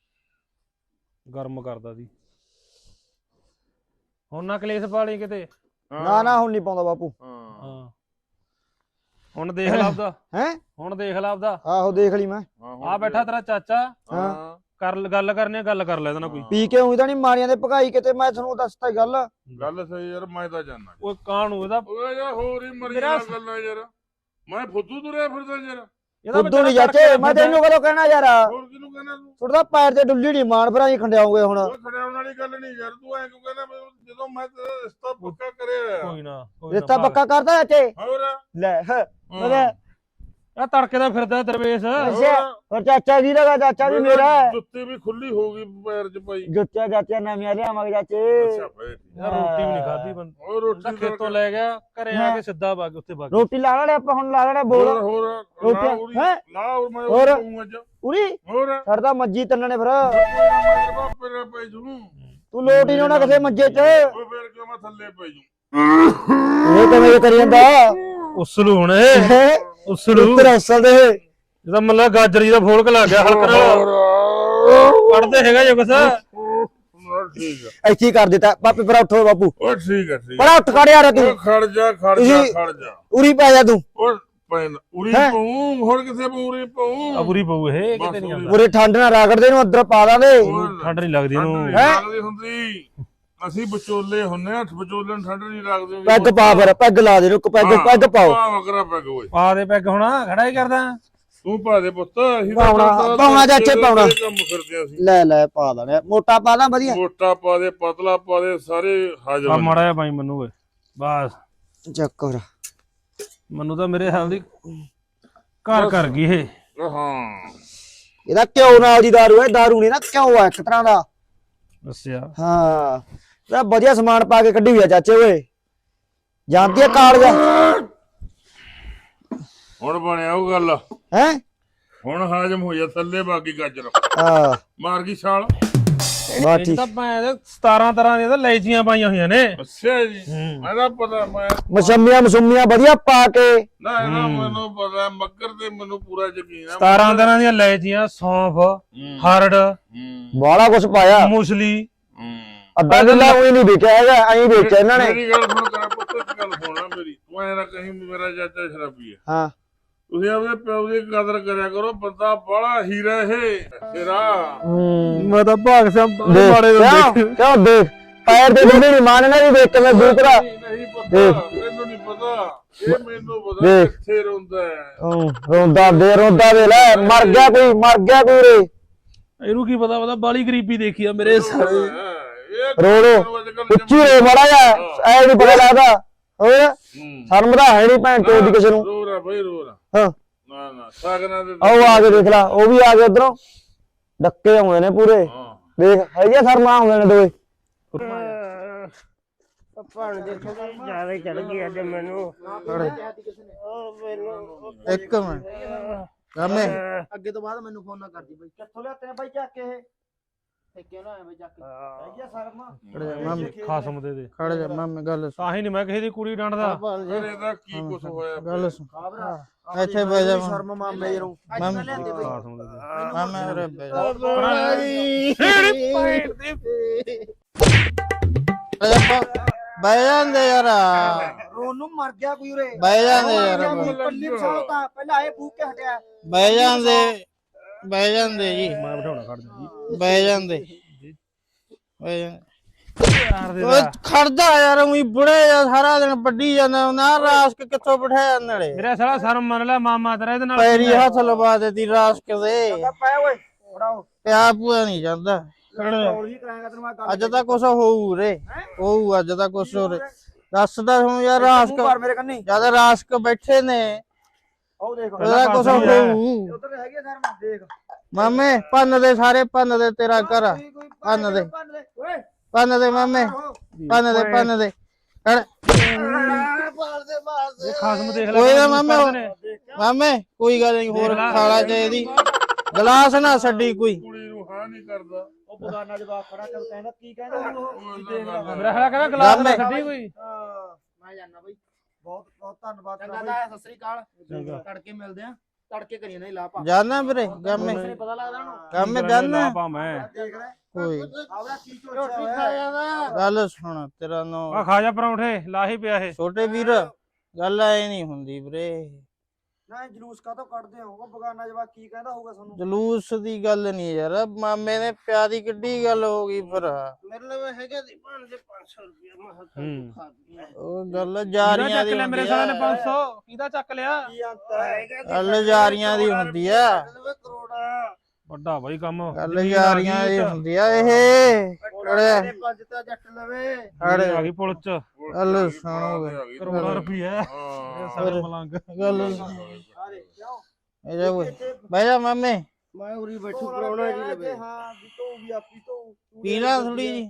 Speaker 3: ਗਰਮ ਕਰਦਾ ਸੀ। ਹੁਣ ਨਾ ਕਲੇਸ਼ ਪਾਲੀ ਕਿਤੇ।
Speaker 1: ਨਾ ਹੁਣ ਨਹੀਂ ਪਾਉਂਦਾ ਬਾਪੂ।
Speaker 3: ਹਾਂ ਹੁਣ ਦੇਖ ਲਾ ਆਪਦਾ।
Speaker 1: ਹੈ
Speaker 3: ਹੁਣ ਦੇਖ ਲਾ ਆਪਦਾ।
Speaker 1: ਆਹੋ ਦੇਖ ਲਈ ਮੈਂ।
Speaker 3: ਆ ਬੈਠਾ ਤੇਰਾ ਚਾਚਾ।
Speaker 2: ਹਾਂ
Speaker 3: ਗੱਲ ਕਰਨੀ, ਗੱਲ ਕਰ ਲੈ ਇਹਦੇ ਨਾਲ ਕੋਈ।
Speaker 1: ਪੀ ਕੇ ਉਹੀ ਤਾਂ ਨਹੀਂ ਮਾਰੀਆਂ ਦੇ ਭਗਾਈ ਕਿਤੇ, ਮੈਂ ਤੁਹਾਨੂੰ ਦੱਸਤਾ ਗੱਲ।
Speaker 2: ਗੱਲ ਸਹੀ ਯਾਰ, ਮੈਂ ਤਾਂ ਜਾਣਾ।
Speaker 3: ਓਏ ਕਾਹਨੂੰ ਇਹਦਾ
Speaker 2: ਓਏ ਯਾਰ ਹੋਰ ਹੀ ਮਰੀਆਂ ਗੱਲਾਂ ਯਾਰ, ਮੈਂ ਫੁੱਦੂ ਤੁਰਿਆ ਫਿਰਦਾ ਯਾਰ।
Speaker 1: ਫੁੱਦੂ ਨਹੀਂ ਚਾਚੇ, ਮੈਂ ਤੈਨੂੰ ਕਦੋਂ ਕਹਿਣਾ ਯਾਰ।
Speaker 2: ਹੋਰ ਕਿਹਨੂੰ ਕਹਿਣਾ ਤੂੰ?
Speaker 1: ਤੁਹਾਡਾ ਪੈਰ ਤੇ ਡੁੱਲੀ ਨਹੀਂ, ਮਾਨ ਭਰਾ ਹੀ ਖੰਡਿਆਉਂਗੇ ਹੁਣ।
Speaker 2: ਉਹ ਖੜਿਆਉਣ ਵਾਲੀ ਗੱਲ ਨਹੀਂ ਯਾਰ, ਤੂੰ ਐਂ ਕਿਉਂ ਕਹਿੰਦਾ? ਜਦੋਂ ਮੈਂ ਤੇਰਾ ਰਿਸ਼ਤਾ ਪੱਕਾ ਕਰਿਆ।
Speaker 3: ਕੋਈ ਨਾ
Speaker 1: ਰਿਸ਼ਤਾ ਪੱਕਾ ਕਰਦਾ ਚਾਚੇ।
Speaker 2: ਹੋਰ
Speaker 1: ਲੈ
Speaker 3: ਆ ਤੜਕੇ ਦਾ ਫਿਰਦਾ ਦਰਵੇਸ਼।
Speaker 1: ਹੋਰ ਚਾਚਾ ਜੀ ਦਾ ਚਾਚਾ ਵੀ ਮੇਰਾ।
Speaker 2: ਜੁੱਤੀ ਵੀ ਖੁੱਲੀ ਹੋ ਗਈ ਪੈਰ 'ਚ ਪਾਈ।
Speaker 1: ਜੁੱਤੀਆਂ ਚਾਚਾ ਨਵੀਆਂ ਲਿਆਵਾਂਗੇ ਚਾਚੇ।
Speaker 2: ਅੱਛਾ ਫੇਰ
Speaker 3: ਯਾਰ ਰੋਟੀ ਵੀ ਨਹੀਂ ਖਾਧੀ ਬੰਦਾ।
Speaker 2: ਉਹ ਰੋਟੀ
Speaker 3: ਖੇਤੋਂ ਲੈ ਗਿਆ, ਘਰੇ ਆ ਕੇ ਸਿੱਧਾ ਵਗ ਉੱਥੇ ਵਗ।
Speaker 1: ਰੋਟੀ ਲਾ ਲੈਣੇ ਆਪਾਂ ਹੁਣ, ਲਾ ਲੈਣੇ ਬੋਲ।
Speaker 2: ਹੋਰ
Speaker 1: ਰੋਟੀ ਹੈ
Speaker 2: ਲਾ ਮੈਂ
Speaker 1: ਹੋਰ
Speaker 2: ਅੱਜ
Speaker 1: ਉਰੀ
Speaker 2: ਹੋਰ
Speaker 1: ਛੱਡਦਾ ਮੱਜੀ ਤੰਨਣੇ ਫਿਰ।
Speaker 2: ਬਾਪੇ ਪੈ ਜੂ
Speaker 1: ਤੂੰ ਲੋਟ ਹੀ ਨਾ ਕਿਸੇ ਮੰਜੇ 'ਚ।
Speaker 2: ਉਹ ਫੇਰ ਕਿਉਂ ਮੈਂ ਥੱਲੇ ਪੈ ਜੂ?
Speaker 1: ਇਹ ਕਿਵੇਂ ਕਰੀ ਜਾਂਦਾ
Speaker 3: ਉਸਲੂ ਹੁਣ ਉਸਲੂ
Speaker 1: ਤੇਰਾ ਅਸਲ ਦੇ।
Speaker 3: ਇਹਦਾ ਮਤਲਬ ਗਾਜਰ ਜੀ ਦਾ ਫੋਲਕ ਲੱਗ ਗਿਆ ਹਲਕਾ। ਪੜਦੇ ਹੈਗਾ ਜੋ ਕੁਛ।
Speaker 2: ਠੀਕ ਆ,
Speaker 1: ਇੱਥੇ ਹੀ ਕਰ ਦਿੱਤਾ ਬਾਪੇ। ਪਰ ਉੱਠੋ ਬਾਪੂ,
Speaker 2: ਉਹ ਠੀਕ ਆ ਠੀਕ
Speaker 1: ਪਰ ਉੱਠ ਖੜ ਯਾਰ ਤੂੰ।
Speaker 2: ਖੜ ਜਾ
Speaker 1: ਉਰੀ ਪੈ ਜਾ ਤੂੰ।
Speaker 2: ਉਹ ਪੈਨ ਉਰੀ ਪਊ, ਹੁਣ ਕਿੱਥੇ ਪੂਰੀ ਪਊ?
Speaker 3: ਅਬੂਰੀ ਪਊ ਇਹ ਕਿਤੇ ਨਹੀਂ ਆਉਂਦਾ।
Speaker 1: ਪੂਰੇ ਠੰਡ ਨਾਲ ਰਗੜਦੇ ਨੂੰ ਅੰਦਰ ਪਾ ਦਾਂਗੇ।
Speaker 3: ਠੰਡ ਨਹੀਂ ਲੱਗਦੀ ਇਹਨੂੰ।
Speaker 2: ਲੱਗਦੀ ਹੁੰਦੀ, ਅਸੀਂ ਵਿਚੋਲੇ ਹੁੰਨੇ ਆ, ਵਿਚੋਲੇ ਨੂੰ ਠੰਡ ਨਹੀਂ ਲੱਗਦੀ।
Speaker 1: ਪੈਗ ਪਾ ਫਿਰ, ਪੈਗ ਲਾ ਦੇ ਨੂੰ। ਪੈਗ ਪਾਓ।
Speaker 2: ਵਗਰਾ ਪੈਗ ਓਏ,
Speaker 3: ਪਾ ਦੇ ਪੈਗ। ਹੁਣ ਖੜਾ ਹੀ ਕਰਦਾ
Speaker 2: ਤੂੰ ਪਾ ਦੇ ਪੁੱਤ। ਅਸੀਂ
Speaker 1: ਪਾਉਣਾ ਚਾਚੇ ਪਾਉਣਾ।
Speaker 2: ਕੰਮ ਫਿਰਦੇ ਅਸੀਂ।
Speaker 1: ਲੈ ਪਾ ਲੈਣੇ। ਮੋਟਾ ਪਾ ਲਾਂ ਵਧੀਆ।
Speaker 2: ਮੋਟਾ ਪਾ ਦੇ, ਪਤਲਾ ਪਾ ਦੇ, ਸਾਰੇ ਹਾਜ਼ਰ
Speaker 3: ਆ ਮਾੜਾ ਜਿਹਾ ਬਾਈ ਮੈਨੂੰ ਓਏ ਬਸ।
Speaker 1: ਚੱਕਰ
Speaker 3: ਮੈਨੂੰ ਤਾਂ ਮੇਰੇ ਹਾਲ ਦੀ ਘਰ ਕਰ ਗਈ ਇਹ।
Speaker 2: ਹਾਂ
Speaker 1: ਇਹਦਾ ਘਿਓ ਨਾਲ ਦੀ ਦਾਰੂ ਹੈ। ਦਾਰੂ ਨਹੀਂ ਨਾ, ਘਿਓ ਆ ਇੱਕ ਤਰ੍ਹਾਂ ਦਾ।
Speaker 3: ਦੱਸਿਆ
Speaker 1: ਹਾਂ ਇਹਦਾ ਵਧੀਆ ਸਮਾਨ ਪਾ ਕੇ ਕੱਢੀ ਹੋਈ ਆ ਚਾਚੇ ਓਏ। ਜਾਂਦੀ ਆ ਕਾਲਜਾ।
Speaker 2: ਹੁਣ ਬਣਿਆ ਉਹ ਗੱਲ।
Speaker 1: ਹੈ
Speaker 2: ਹੁਣ ਹਾਜ਼ਮ ਹੋ ਜਾ, ਥੱਲੇ ਬਾਕੀ ਗਾਜਰ
Speaker 1: ਹਾਂ
Speaker 2: ਮਾਰ ਗਈ ਛਾਲ।
Speaker 1: ਬਾ
Speaker 3: ਇਹ
Speaker 1: ਠੀਕ।
Speaker 3: ਤਾਂ ਭੈਣ 17 ਤਰ੍ਹਾਂ ਦੀਆਂ ਤਾਂ ਲੈਚੀਆਂ ਪਾਈਆਂ ਹੋਈਆਂ ਨੇ।
Speaker 2: ਅੱਛਾ ਜੀ, ਇਹਦਾ ਪਤਾ। ਮੈਂ
Speaker 1: ਮਸੰਮੀਆਂ ਵਧੀਆ ਪਾ ਕੇ।
Speaker 2: ਨਾ ਇਹਦਾ ਮੈਨੂੰ ਪਤਾ, ਮੱਕਰ ਤੇ ਮੈਨੂੰ ਪੂਰਾ ਯਕੀਨ ਆ।
Speaker 3: 17 ਤਰ੍ਹਾਂ ਦੀਆਂ ਲੈਚੀਆਂ, ਸੌਂਫ, ਹਰੜ,
Speaker 1: ਬਾਲਾ ਕੁਛ ਪਾਇਆ।
Speaker 3: ਮੂਸਲੀ।
Speaker 1: ਅੱਧਾ ਕਿੱਲਾ ਉਹੀ ਨਹੀਂ ਵੇਚਿਆ ਹੈਗਾ, ਐਂ ਵੇਚਿਆ ਇਹਨਾਂ ਨੇ।
Speaker 2: ਮੇਰੀ ਗੱਲ ਸੁਣ ਕਰਾ ਪੁੱਤ, ਇੱਕ ਗੱਲ ਸੁਣਾ ਮੇਰੀ। ਤੂੰ ਐਂ ਨਾ ਕਹੀਂ ਮੇਰਾ ਚਾਚਾ ਸ਼ਰਾਬੀ ਹੈ।
Speaker 1: ਹਾਂ
Speaker 2: ਤੁਸੀਂ ਆਪਣੇ ਪਿਓ ਦੀ ਕਦਰ ਕਰਿਆ ਕਰੋ, ਬੰਦਾ ਬੜਾ ਹੀਰਾ ਇਹ ਤੇਰਾ।
Speaker 3: ਮੈਂ ਤਾਂ ਭਾਗ ਸਿਆ ਮਾੜੇ
Speaker 1: ਕਿਉਂ ਦੇਖ ਪੈਰ ਦੇ ਡੁੱਲੇ ਨਹੀਂ ਮਾਨਣਾ ਵੀ ਵੇਖ ਕੇ ਮੈਂ ਦੂਸਰਾ।
Speaker 2: ਨਹੀਂ ਪਤਾ, ਮੈਨੂੰ ਨਹੀਂ ਪਤਾ। ਇਹ ਮੈਨੂੰ ਪਤਾ ਕਿੱਥੇ ਰੋਂਦਾ ਹੈ।
Speaker 1: ਰੋਂਦਾ ਵੇ ਲੈ। ਮਰ ਗਿਆ ਕੋਈ ਰੇ।
Speaker 3: ਇਹਨੂੰ ਕੀ ਪਤਾ ਬਾਲੀ ਗਰੀਬੀ ਦੇਖੀ ਆ ਮੇਰੇ ਸਾਰੇ।
Speaker 1: ਰੋ ਉੱਚੀ ਰੋ ਮਾੜਾ ਜਾ, ਐ ਨਹੀਂ ਪਤਾ ਲੱਗਦਾ। ਹੋਰ ਸ਼ਰਮ ਤਾਂ ਹੈ ਨਹੀਂ ਭੈਣ ਚੋਦ ਦੀ ਕਿਸੇ ਨੂੰ।
Speaker 2: ਰੋਰਾ ਬਈ ਰੋਰਾ।
Speaker 1: ਹਾਂ
Speaker 2: ਨਾ ਸਾਗਨਾ ਦੇ
Speaker 1: ਆਓ ਆ ਕੇ ਦੇਖ ਲਾ, ਉਹ ਵੀ ਆ ਗਏ ਉਧਰੋਂ। ਡੱਕੇ ਆਉਂਦੇ ਨੇ ਪੂਰੇ। ਦੇਖ ਹੈਗੇ ਸ਼ਰਮਾ ਆਉਂਦੇ ਨੇ ਦੋਵੇਂ।
Speaker 4: ਭਾਣ ਦੇ ਥੋੜੀ ਜ਼ਿਆਦਾ ਚੜ ਗਈ ਅੱਜ ਮੈਨੂੰ।
Speaker 5: ਇੱਕ ਮਿੰਟ ਰਾਮੇ
Speaker 1: ਅੱਗੇ ਤੋਂ ਬਾਅਦ ਮੈਨੂੰ ਫੋਨ ਨਾ ਕਰਦੀ ਬਈ। ਕਿੱਥੋਂ ਲਿਆਤੇ ਨੇ ਬਾਈ ਚੱਕ ਕੇ ਇਹ? ਠੇਕੇ ਨਾ ਆਏ ਬਈ ਚੱਕ ਕੇ। ਹੈਗੀ ਸ਼ਰਮਾ।
Speaker 5: ਖੜ ਜਾ ਮਾਮੇ,
Speaker 3: ਖਾਸਮ ਦੇ
Speaker 5: ਖੜ ਜਾ ਮਾਮੇ, ਗੱਲ ਸੁਣ।
Speaker 3: ਤਾਂ ਹੀ ਨਹੀਂ ਮੈਂ ਕਿਸੇ ਦੀ ਕੁੜੀ ਡਾਂਟਦਾ।
Speaker 5: ਭਾਣ ਜੀ
Speaker 2: ਇਹਦਾ ਕੀ ਕੁਛ ਹੋਇਆ?
Speaker 5: ਗੱਲ ਸੁਣ।
Speaker 1: ਖਾਬਰਾ
Speaker 5: ਇੱਥੇ ਬਹਿ ਜਾ
Speaker 1: ਸ਼ਰਮ ਮਾਮੇ ਨੂੰ।
Speaker 5: ਮਾਮੇ
Speaker 1: ਲਿਆਂਦੇ ਬਈ।
Speaker 3: ਖਾਸਮ ਦੇ
Speaker 5: ਮਾਮੇ ਉਰੇ ਬਹਿ ਜਾ। ਬਹਿ ਜਾਂਦੇ ਯਾਰ
Speaker 1: ਰੋਣ ਨੂੰ ਮਰ ਗਿਆ ਕੋਈ ਉਰੇ
Speaker 5: ਬਹਿ ਜਾਂਦੇ ਯਾਰ
Speaker 1: ਪੱਲੀ ਫਸਾਤਾ ਪਹਿਲਾਂ ਇਹ ਫੂਕ ਕੇ ਹਟਿਆ
Speaker 5: ਬਹਿ ਜਾਂਦੇ ਜੀ
Speaker 3: ਮੈਂ ਬਿਠਾਉਣਾ ਖੜ ਜਾ ਜੀ
Speaker 5: ਬਹਿ ਜਾਂਦੇ ਬਹਿ ਜਾਂਦੇ
Speaker 3: ਯਾਰ ਦੇ
Speaker 5: ਓਏ ਖੜਦਾ ਯਾਰ ਉਹੀ ਬੁੜੇ ਜਾਂ ਸਾਰਾ ਦਿਨ ਵੱਡੀ ਜਾਂਦਾ ਨਾ ਰਾਸਕ ਕਿੱਥੋਂ ਬਿਠਾਇਆ ਨਾਲੇ
Speaker 3: ਮੇਰਾ ਸਾਲਾ ਸ਼ਰਮ ਮੰਨ ਲੈ ਮਾਮਾ ਤੇਰਾ ਇਹਦੇ ਨਾਲ
Speaker 5: ਪੈਰੀ ਹੱਥ ਲਵਾ ਦੇਤੀ ਰਾਸਕ ਦੇ
Speaker 1: ਪੈ ਓਏ ਫੜਾਓ
Speaker 5: ਪਿਆ ਪੂਆ ਨਹੀਂ ਜਾਂਦਾ
Speaker 1: ਹੋਰ ਵੀ ਕਰਾਂਗਾ ਤੈਨੂੰ ਮੈਂ ਗੱਲ
Speaker 5: ਅੱਜ ਤਾਂ ਕੁਛ ਹੋਊ ਰੇ ਹੋਊ ਅੱਜ ਤਾਂ ਕੁਛ ਹੋ ਰੇ ਦੱਸਦਾ ਹੁਣ ਯਾਰ ਰਾਸਕ
Speaker 1: ਮਾਰ ਮੇਰੇ ਕੰਨੀ
Speaker 5: ਜਦ ਰਾਸਕ ਬੈਠੇ ਨੇ
Speaker 1: ਉਹ ਦੇਖ
Speaker 5: ਉਹਦਾ ਕੁਛ ਹੋਊ
Speaker 1: ਉਧਰ ਹੈਗੀ ਆ ਧਰਮ ਦੇਖ
Speaker 5: ਮਾਮੇ ਭੰਨ ਦੇ ਸਾਰੇ ਭੰਨ ਦੇ ਤੇਰਾ ਘਰ ਆ। ਭੰਨ ਦੇ
Speaker 1: ਓਏ
Speaker 5: ਭੰਨ ਦੇ ਮਾਮੇ ਭੰਨ ਦੇ ਕਰ
Speaker 3: ਇਹ ਖਾਸਮ ਦੇਖ ਲੈ
Speaker 5: ਕੋਈ ਨਾ
Speaker 3: ਕਿਵੇਂ
Speaker 5: ਮਾਮੇ
Speaker 3: ਕਰਦੇ ਨੇ।
Speaker 5: ਮਾਮੇ ਕੋਈ ਗੱਲ ਨਹੀਂ ਹੋਰ ਖਾਲਾ ਚਾਹੀਦੀ ਗਲਾਸ ਨਾ ਛੱਡੀ ਕੋਈ
Speaker 2: ਕੁੜੀ ਨੂੰ ਹਾਂ ਨਹੀਂ ਕਰਦਾ
Speaker 1: ਉਹ ਬਗਾਨਾ ਜਵਾਬ ਖੜਾ ਕਰ ਕਹਿੰਦਾ ਕੀ ਕਹਿੰਦਾ ਉਹ ਕੀ ਦੇਖ ਰਿਹਾ
Speaker 3: ਮੇਰਾ ਸਾਲਾ ਕਹਿੰਦਾ ਗਲਾਸ ਨਾ
Speaker 5: ਮਾਮੇ।
Speaker 3: ਛੱਡੀ ਕੋਈ
Speaker 1: ਮੈਂ ਜਾਣਾ ਬਈ ਬਹੁਤ ਬਹੁਤ ਧੰਨਵਾਦ
Speaker 6: ਚੰਗਾ ਤਾਂ ਸਤਿ ਸ੍ਰੀ ਅਕਾਲ ਤੜਕੇ ਮਿਲਦੇ ਆ ਤੜਕੇ ਕਰੀਏ ਨਹੀਂ ਲਾ ਪਾ
Speaker 5: ਜਾਨਾ ਵੀਰੇ ਗਾਮੇ
Speaker 6: ਪਤਾ ਲੱਗਦਾ ਉਹਨੂੰ
Speaker 5: ਗਾਮੇ ਜਾਨਾ
Speaker 3: ਪਾ ਮੈਂ
Speaker 1: ਦੇਖ ਰਿਹਾ
Speaker 5: ਕੋਈ
Speaker 1: ਆਵੜਾ ਕੀ
Speaker 6: ਰੋਟੀ
Speaker 1: ਚੋਚਿਆ
Speaker 6: ਖਾ
Speaker 1: ਹੋਇਆ
Speaker 6: ਜਾਂਦਾ
Speaker 5: ਗੱਲ ਸੁਣ ਤੇਰਾ
Speaker 3: ਆ
Speaker 5: ਨਾਂ
Speaker 3: ਖਾ ਜਾ ਪਰੌਂਠੇ ਲਾਹੀ ਪਿਆ ਇਹ
Speaker 5: ਛੋਟੇ ਵੀਰ ਗੱਲ ਐ ਨਹੀਂ ਹੁੰਦੀ ਵੀਰੇ
Speaker 1: ਨਾ ਜਲੂਸ ਕਾਹਤੋਂ ਕੱਢਦੇ ਹੋ ਉਹ ਬਗਾਨਾ ਜਵਾਬ ਕੀ ਕਹਿੰਦਾ ਹੋਊਗਾ ਤੁਹਾਨੂੰ
Speaker 5: ਜਲੂਸ ਦੀ ਗੱਲ ਨਹੀਂ ਯਾਰ ਮਾਮੇ ਨੇ ਪਿਆ ਦੀ ਕਿੱਡੀ ਗੱਲ ਹੋ ਗਈ ਫਿਰ
Speaker 6: ਮੇਰੇ ਲਈ ਹੈਗਾ ਦੀ ਭਾਣ ਦੇ 500 ਰੁਪਏ ਮੈਂ
Speaker 3: ਹੂੰ।
Speaker 6: ਖਾ ਦੂੰਗਾ
Speaker 5: ਉਹ ਗੱਲ
Speaker 3: ਕਿਹਦਾ
Speaker 5: ਜਾਰੀਆਂ
Speaker 3: ਚੱਕ
Speaker 5: ਦੀ
Speaker 3: ਲਿਆ ਮੇਰੇ
Speaker 5: ਹੁੰਦੀ
Speaker 3: ਸਾਲੇ ਨੇ
Speaker 5: ਆ
Speaker 3: 500 ਕਿਹਦਾ ਚੱਕ ਲਿਆ
Speaker 1: ਕੀ ਅੰਤਰ ਹੈ
Speaker 5: ਗੱਲ ਜਾਰੀਆਂ ਦੀ ਹੁੰਦੀ ਆ
Speaker 6: ਕਰੋੜਾ
Speaker 3: ਵੱਡਾ ਬਾਈ ਕੰਮ
Speaker 5: ਗੱਲ ਜਾਰੀਆਂ ਦੀ ਹੁੰਦੀ ਆ ਇਹ
Speaker 6: ਮੇਰੇ ਪੰਜ ਤਾਂ ਜੱਟ ਲਵੇ
Speaker 5: ਅੜੇ
Speaker 3: ਆ ਗਈ ਪੁਲਿਸ ਚ
Speaker 5: ਗੱਲ ਸੁਣੋਗੇ
Speaker 3: ਕਰੋੜਾਂ ਰੁਪਏ
Speaker 2: ਹਾਂ
Speaker 3: ਸਾਰੇ ਮਲੰਗ
Speaker 5: ਗੱਲ
Speaker 1: ਅਰੇ ਕਿਉਂ
Speaker 5: ਇਹ ਜਾ ਓਏ ਬਹਿ ਜਾ ਮਾਮੇ
Speaker 6: ਮੈਂ ਉਰੀ ਬੈਠੂ ਕਰੋੜਾ ਜੀ ਲਵੇ
Speaker 1: ਹਾਂ ਬੀਤੋ ਵੀ ਆ ਪੀਤੋ
Speaker 5: ਪੀਲਾ ਥੋੜੀ ਜੀ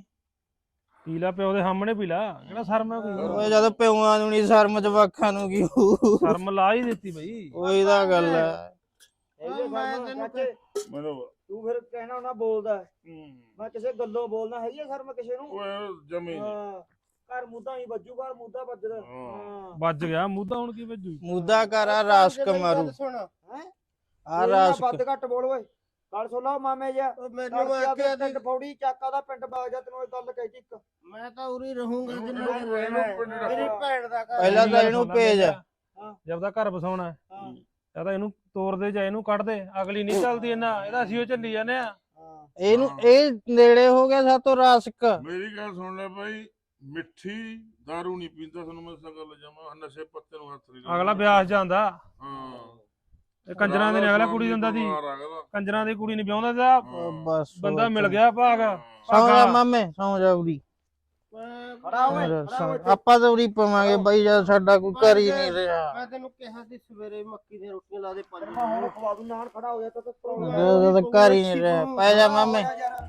Speaker 3: ਪੀਲਾ ਪਿਓ ਦੇ ਸਾਹਮਣੇ ਪੀਲਾ ਕਿਹੜਾ ਸ਼ਰਮ ਹੈ ਕੋਈ
Speaker 5: ਓਏ ਜਦ ਪਿਉਆਂ ਨੂੰ ਨਹੀਂ ਸ਼ਰਮ ਜਵਾਖਾਂ ਨੂੰ ਕੀ ਹੋਊ।
Speaker 3: ਸ਼ਰਮ ਲਾ ਹੀ ਦਿੱਤੀ ਬਈ
Speaker 5: ਉਹੀ ਤਾਂ ਗੱਲ ਹੈ
Speaker 1: ਮੈਂ ਤੈਨੂੰ
Speaker 2: ਮੈਨੂੰ
Speaker 1: ਤੂੰ ਫਿਰ ਕਹਿਣਾ ਉਹਨਾਂ ਬੋਲਦਾ ਮੈਂ ਕਿਸੇ ਗੱਲੋਂ ਬੋਲਣਾ ਹੈਗੀ ਆ ਸ਼ਰਮ ਕਿਸੇ ਨੂੰ
Speaker 2: ਓਏ ਜਮੀ
Speaker 1: ਹਾਂ ਘਰ ਮੁੱਦਾ ਹੀ ਵੱਜੂਗਾ ਮੁੱਦਾ ਵੱਜਦਾ ਹਾਂ
Speaker 3: ਵੱਜ ਗਿਆ ਮੂਧਾ ਹੁਣ ਕੀ ਵੱਜੂ
Speaker 5: ਮੁੱਦਾ ਕਰ ਆ ਰਾਸਕ ਮਾਰੂ
Speaker 6: ਸੁਣ
Speaker 1: ਹੈ
Speaker 5: ਆ ਰਾਸਕ
Speaker 1: ਵੱਧ ਘੱਟ ਬੋਲ ਓਏ ਗੱਲ ਸੁਣ ਲਾ ਮਾਮੇ ਜੀ
Speaker 6: ਮੈਨੂੰ ਆਖਿਆ
Speaker 1: ਪਿੰਡ ਫੌੜੀ ਚੱਕਾ ਦਾ ਪਿੰਡ ਬਾਗ ਜਾ ਤੈਨੂੰ ਇਹ ਗੱਲ ਕਹਿ ਇੱਕ
Speaker 6: ਮੈਂ ਤਾਂ ਉਰੀ ਰਹੂੰਗਾ ਜਿੰਨਾ ਚਿਰ
Speaker 2: ਇਹਨੂੰ
Speaker 6: ਰਹਿਣਾ ਹੈ।
Speaker 2: ਪਿੰਡ
Speaker 6: ਮੇਰੀ ਭੈਣ ਦਾ ਘਰ
Speaker 5: ਪਹਿਲਾਂ ਤਾਂ ਇਹਨੂੰ ਭੇਜ
Speaker 3: ਜਦ ਦਾ ਘਰ ਬਸਾਉਣਾ ਹੈ,
Speaker 1: ਹਾਂ
Speaker 3: ਜਾਂ ਤਾਂ ਇਹਨੂੰ ਤੋੜ ਦੇ ਜਾਂ ਇਹਨੂੰ ਕੱਢ ਦੇ ਅਗਲੀ ਨਹੀਂ ਚੱਲਦੀ ਇਹਨਾਂ ਇਹਦਾ ਅਸੀਂ ਉਹ ਚੱਲੀ ਜਾਂਦੇ ਆ
Speaker 1: ਹਾਂ
Speaker 5: ਇਹਨੂੰ ਇਹ ਨੇੜੇ ਹੋ ਗਿਆ ਸਾਤੋਂ ਰਾਸਕ
Speaker 2: ਮੇਰੀ ਗੱਲ ਸੁਣ ਲੈ ਭਾਈ ਮਿੱਠੀ दारू ਨਹੀਂ ਪੀਂਦਾ ਤੁਹਾਨੂੰ ਮੈਂ ਦੱਸਾਂ ਗੱਲ ਜਾਵਾਂ ਨਸ਼ੇ ਪੱਤੇ ਨੂੰ ਹੱਥ ਨਹੀਂ ਲਾਉਂਦਾ।
Speaker 3: ਅਗਲਾ ਵਿਆਹ ਜਾਂਦਾ
Speaker 2: ਹਾਂ
Speaker 3: ਇਹ ਕੰਜਰਾਂ ਦੇ ਨੇ ਅਗਲਾ ਕੁੜੀ ਦਿੰਦਾ ਦੀ
Speaker 2: ਬਿਮਾਰ ਆ ਅਗਲਾ।
Speaker 3: ਕੰਜਰਾਂ ਦੀ ਕੁੜੀ ਨਹੀਂ ਵਿਆਹੁੰਦਾ ਤੇ ਆਹ
Speaker 2: ਹਾਂ।
Speaker 5: ਬਸ
Speaker 3: ਬੰਦਾ ਮਿਲ ਗਿਆ ਭਾਗ
Speaker 5: ਸੌਂ ਜਾ ਮਾਮੇ ਸੌਂ ਜਾ ਉਰੀ
Speaker 1: ਖੜਾ ਓਏ ਖੜਾ ਓਏ
Speaker 5: ਆਪਾਂ ਤਾਂ ਉਰੀ ਪਵਾਂਗੇ ਬਾਈ ਜਦ ਸਾਡਾ ਕੋਈ ਘਰ ਹੀ ਨਹੀਂ ਰਿਹਾ
Speaker 6: ਮੈਂ ਤੈਨੂੰ ਕਿਹਾ ਸੀ ਸਵੇਰੇ ਮੱਕੀ ਦੀਆਂ ਰੋਟੀਆਂ ਲਾ ਦੇ ਪੰਜ
Speaker 1: ਮੈਂ ਹੁਣ ਖਵਾ ਦੂੰ ਨਾਲ ਖੜਾ ਹੋ ਜਾ ਤਾਂ
Speaker 5: ਜਦੋਂ ਤੱਕ ਘਰ ਹੀ ਨਹੀਂ ਰਿਹਾ ਪੈ ਜਾ ਮਾਮੇ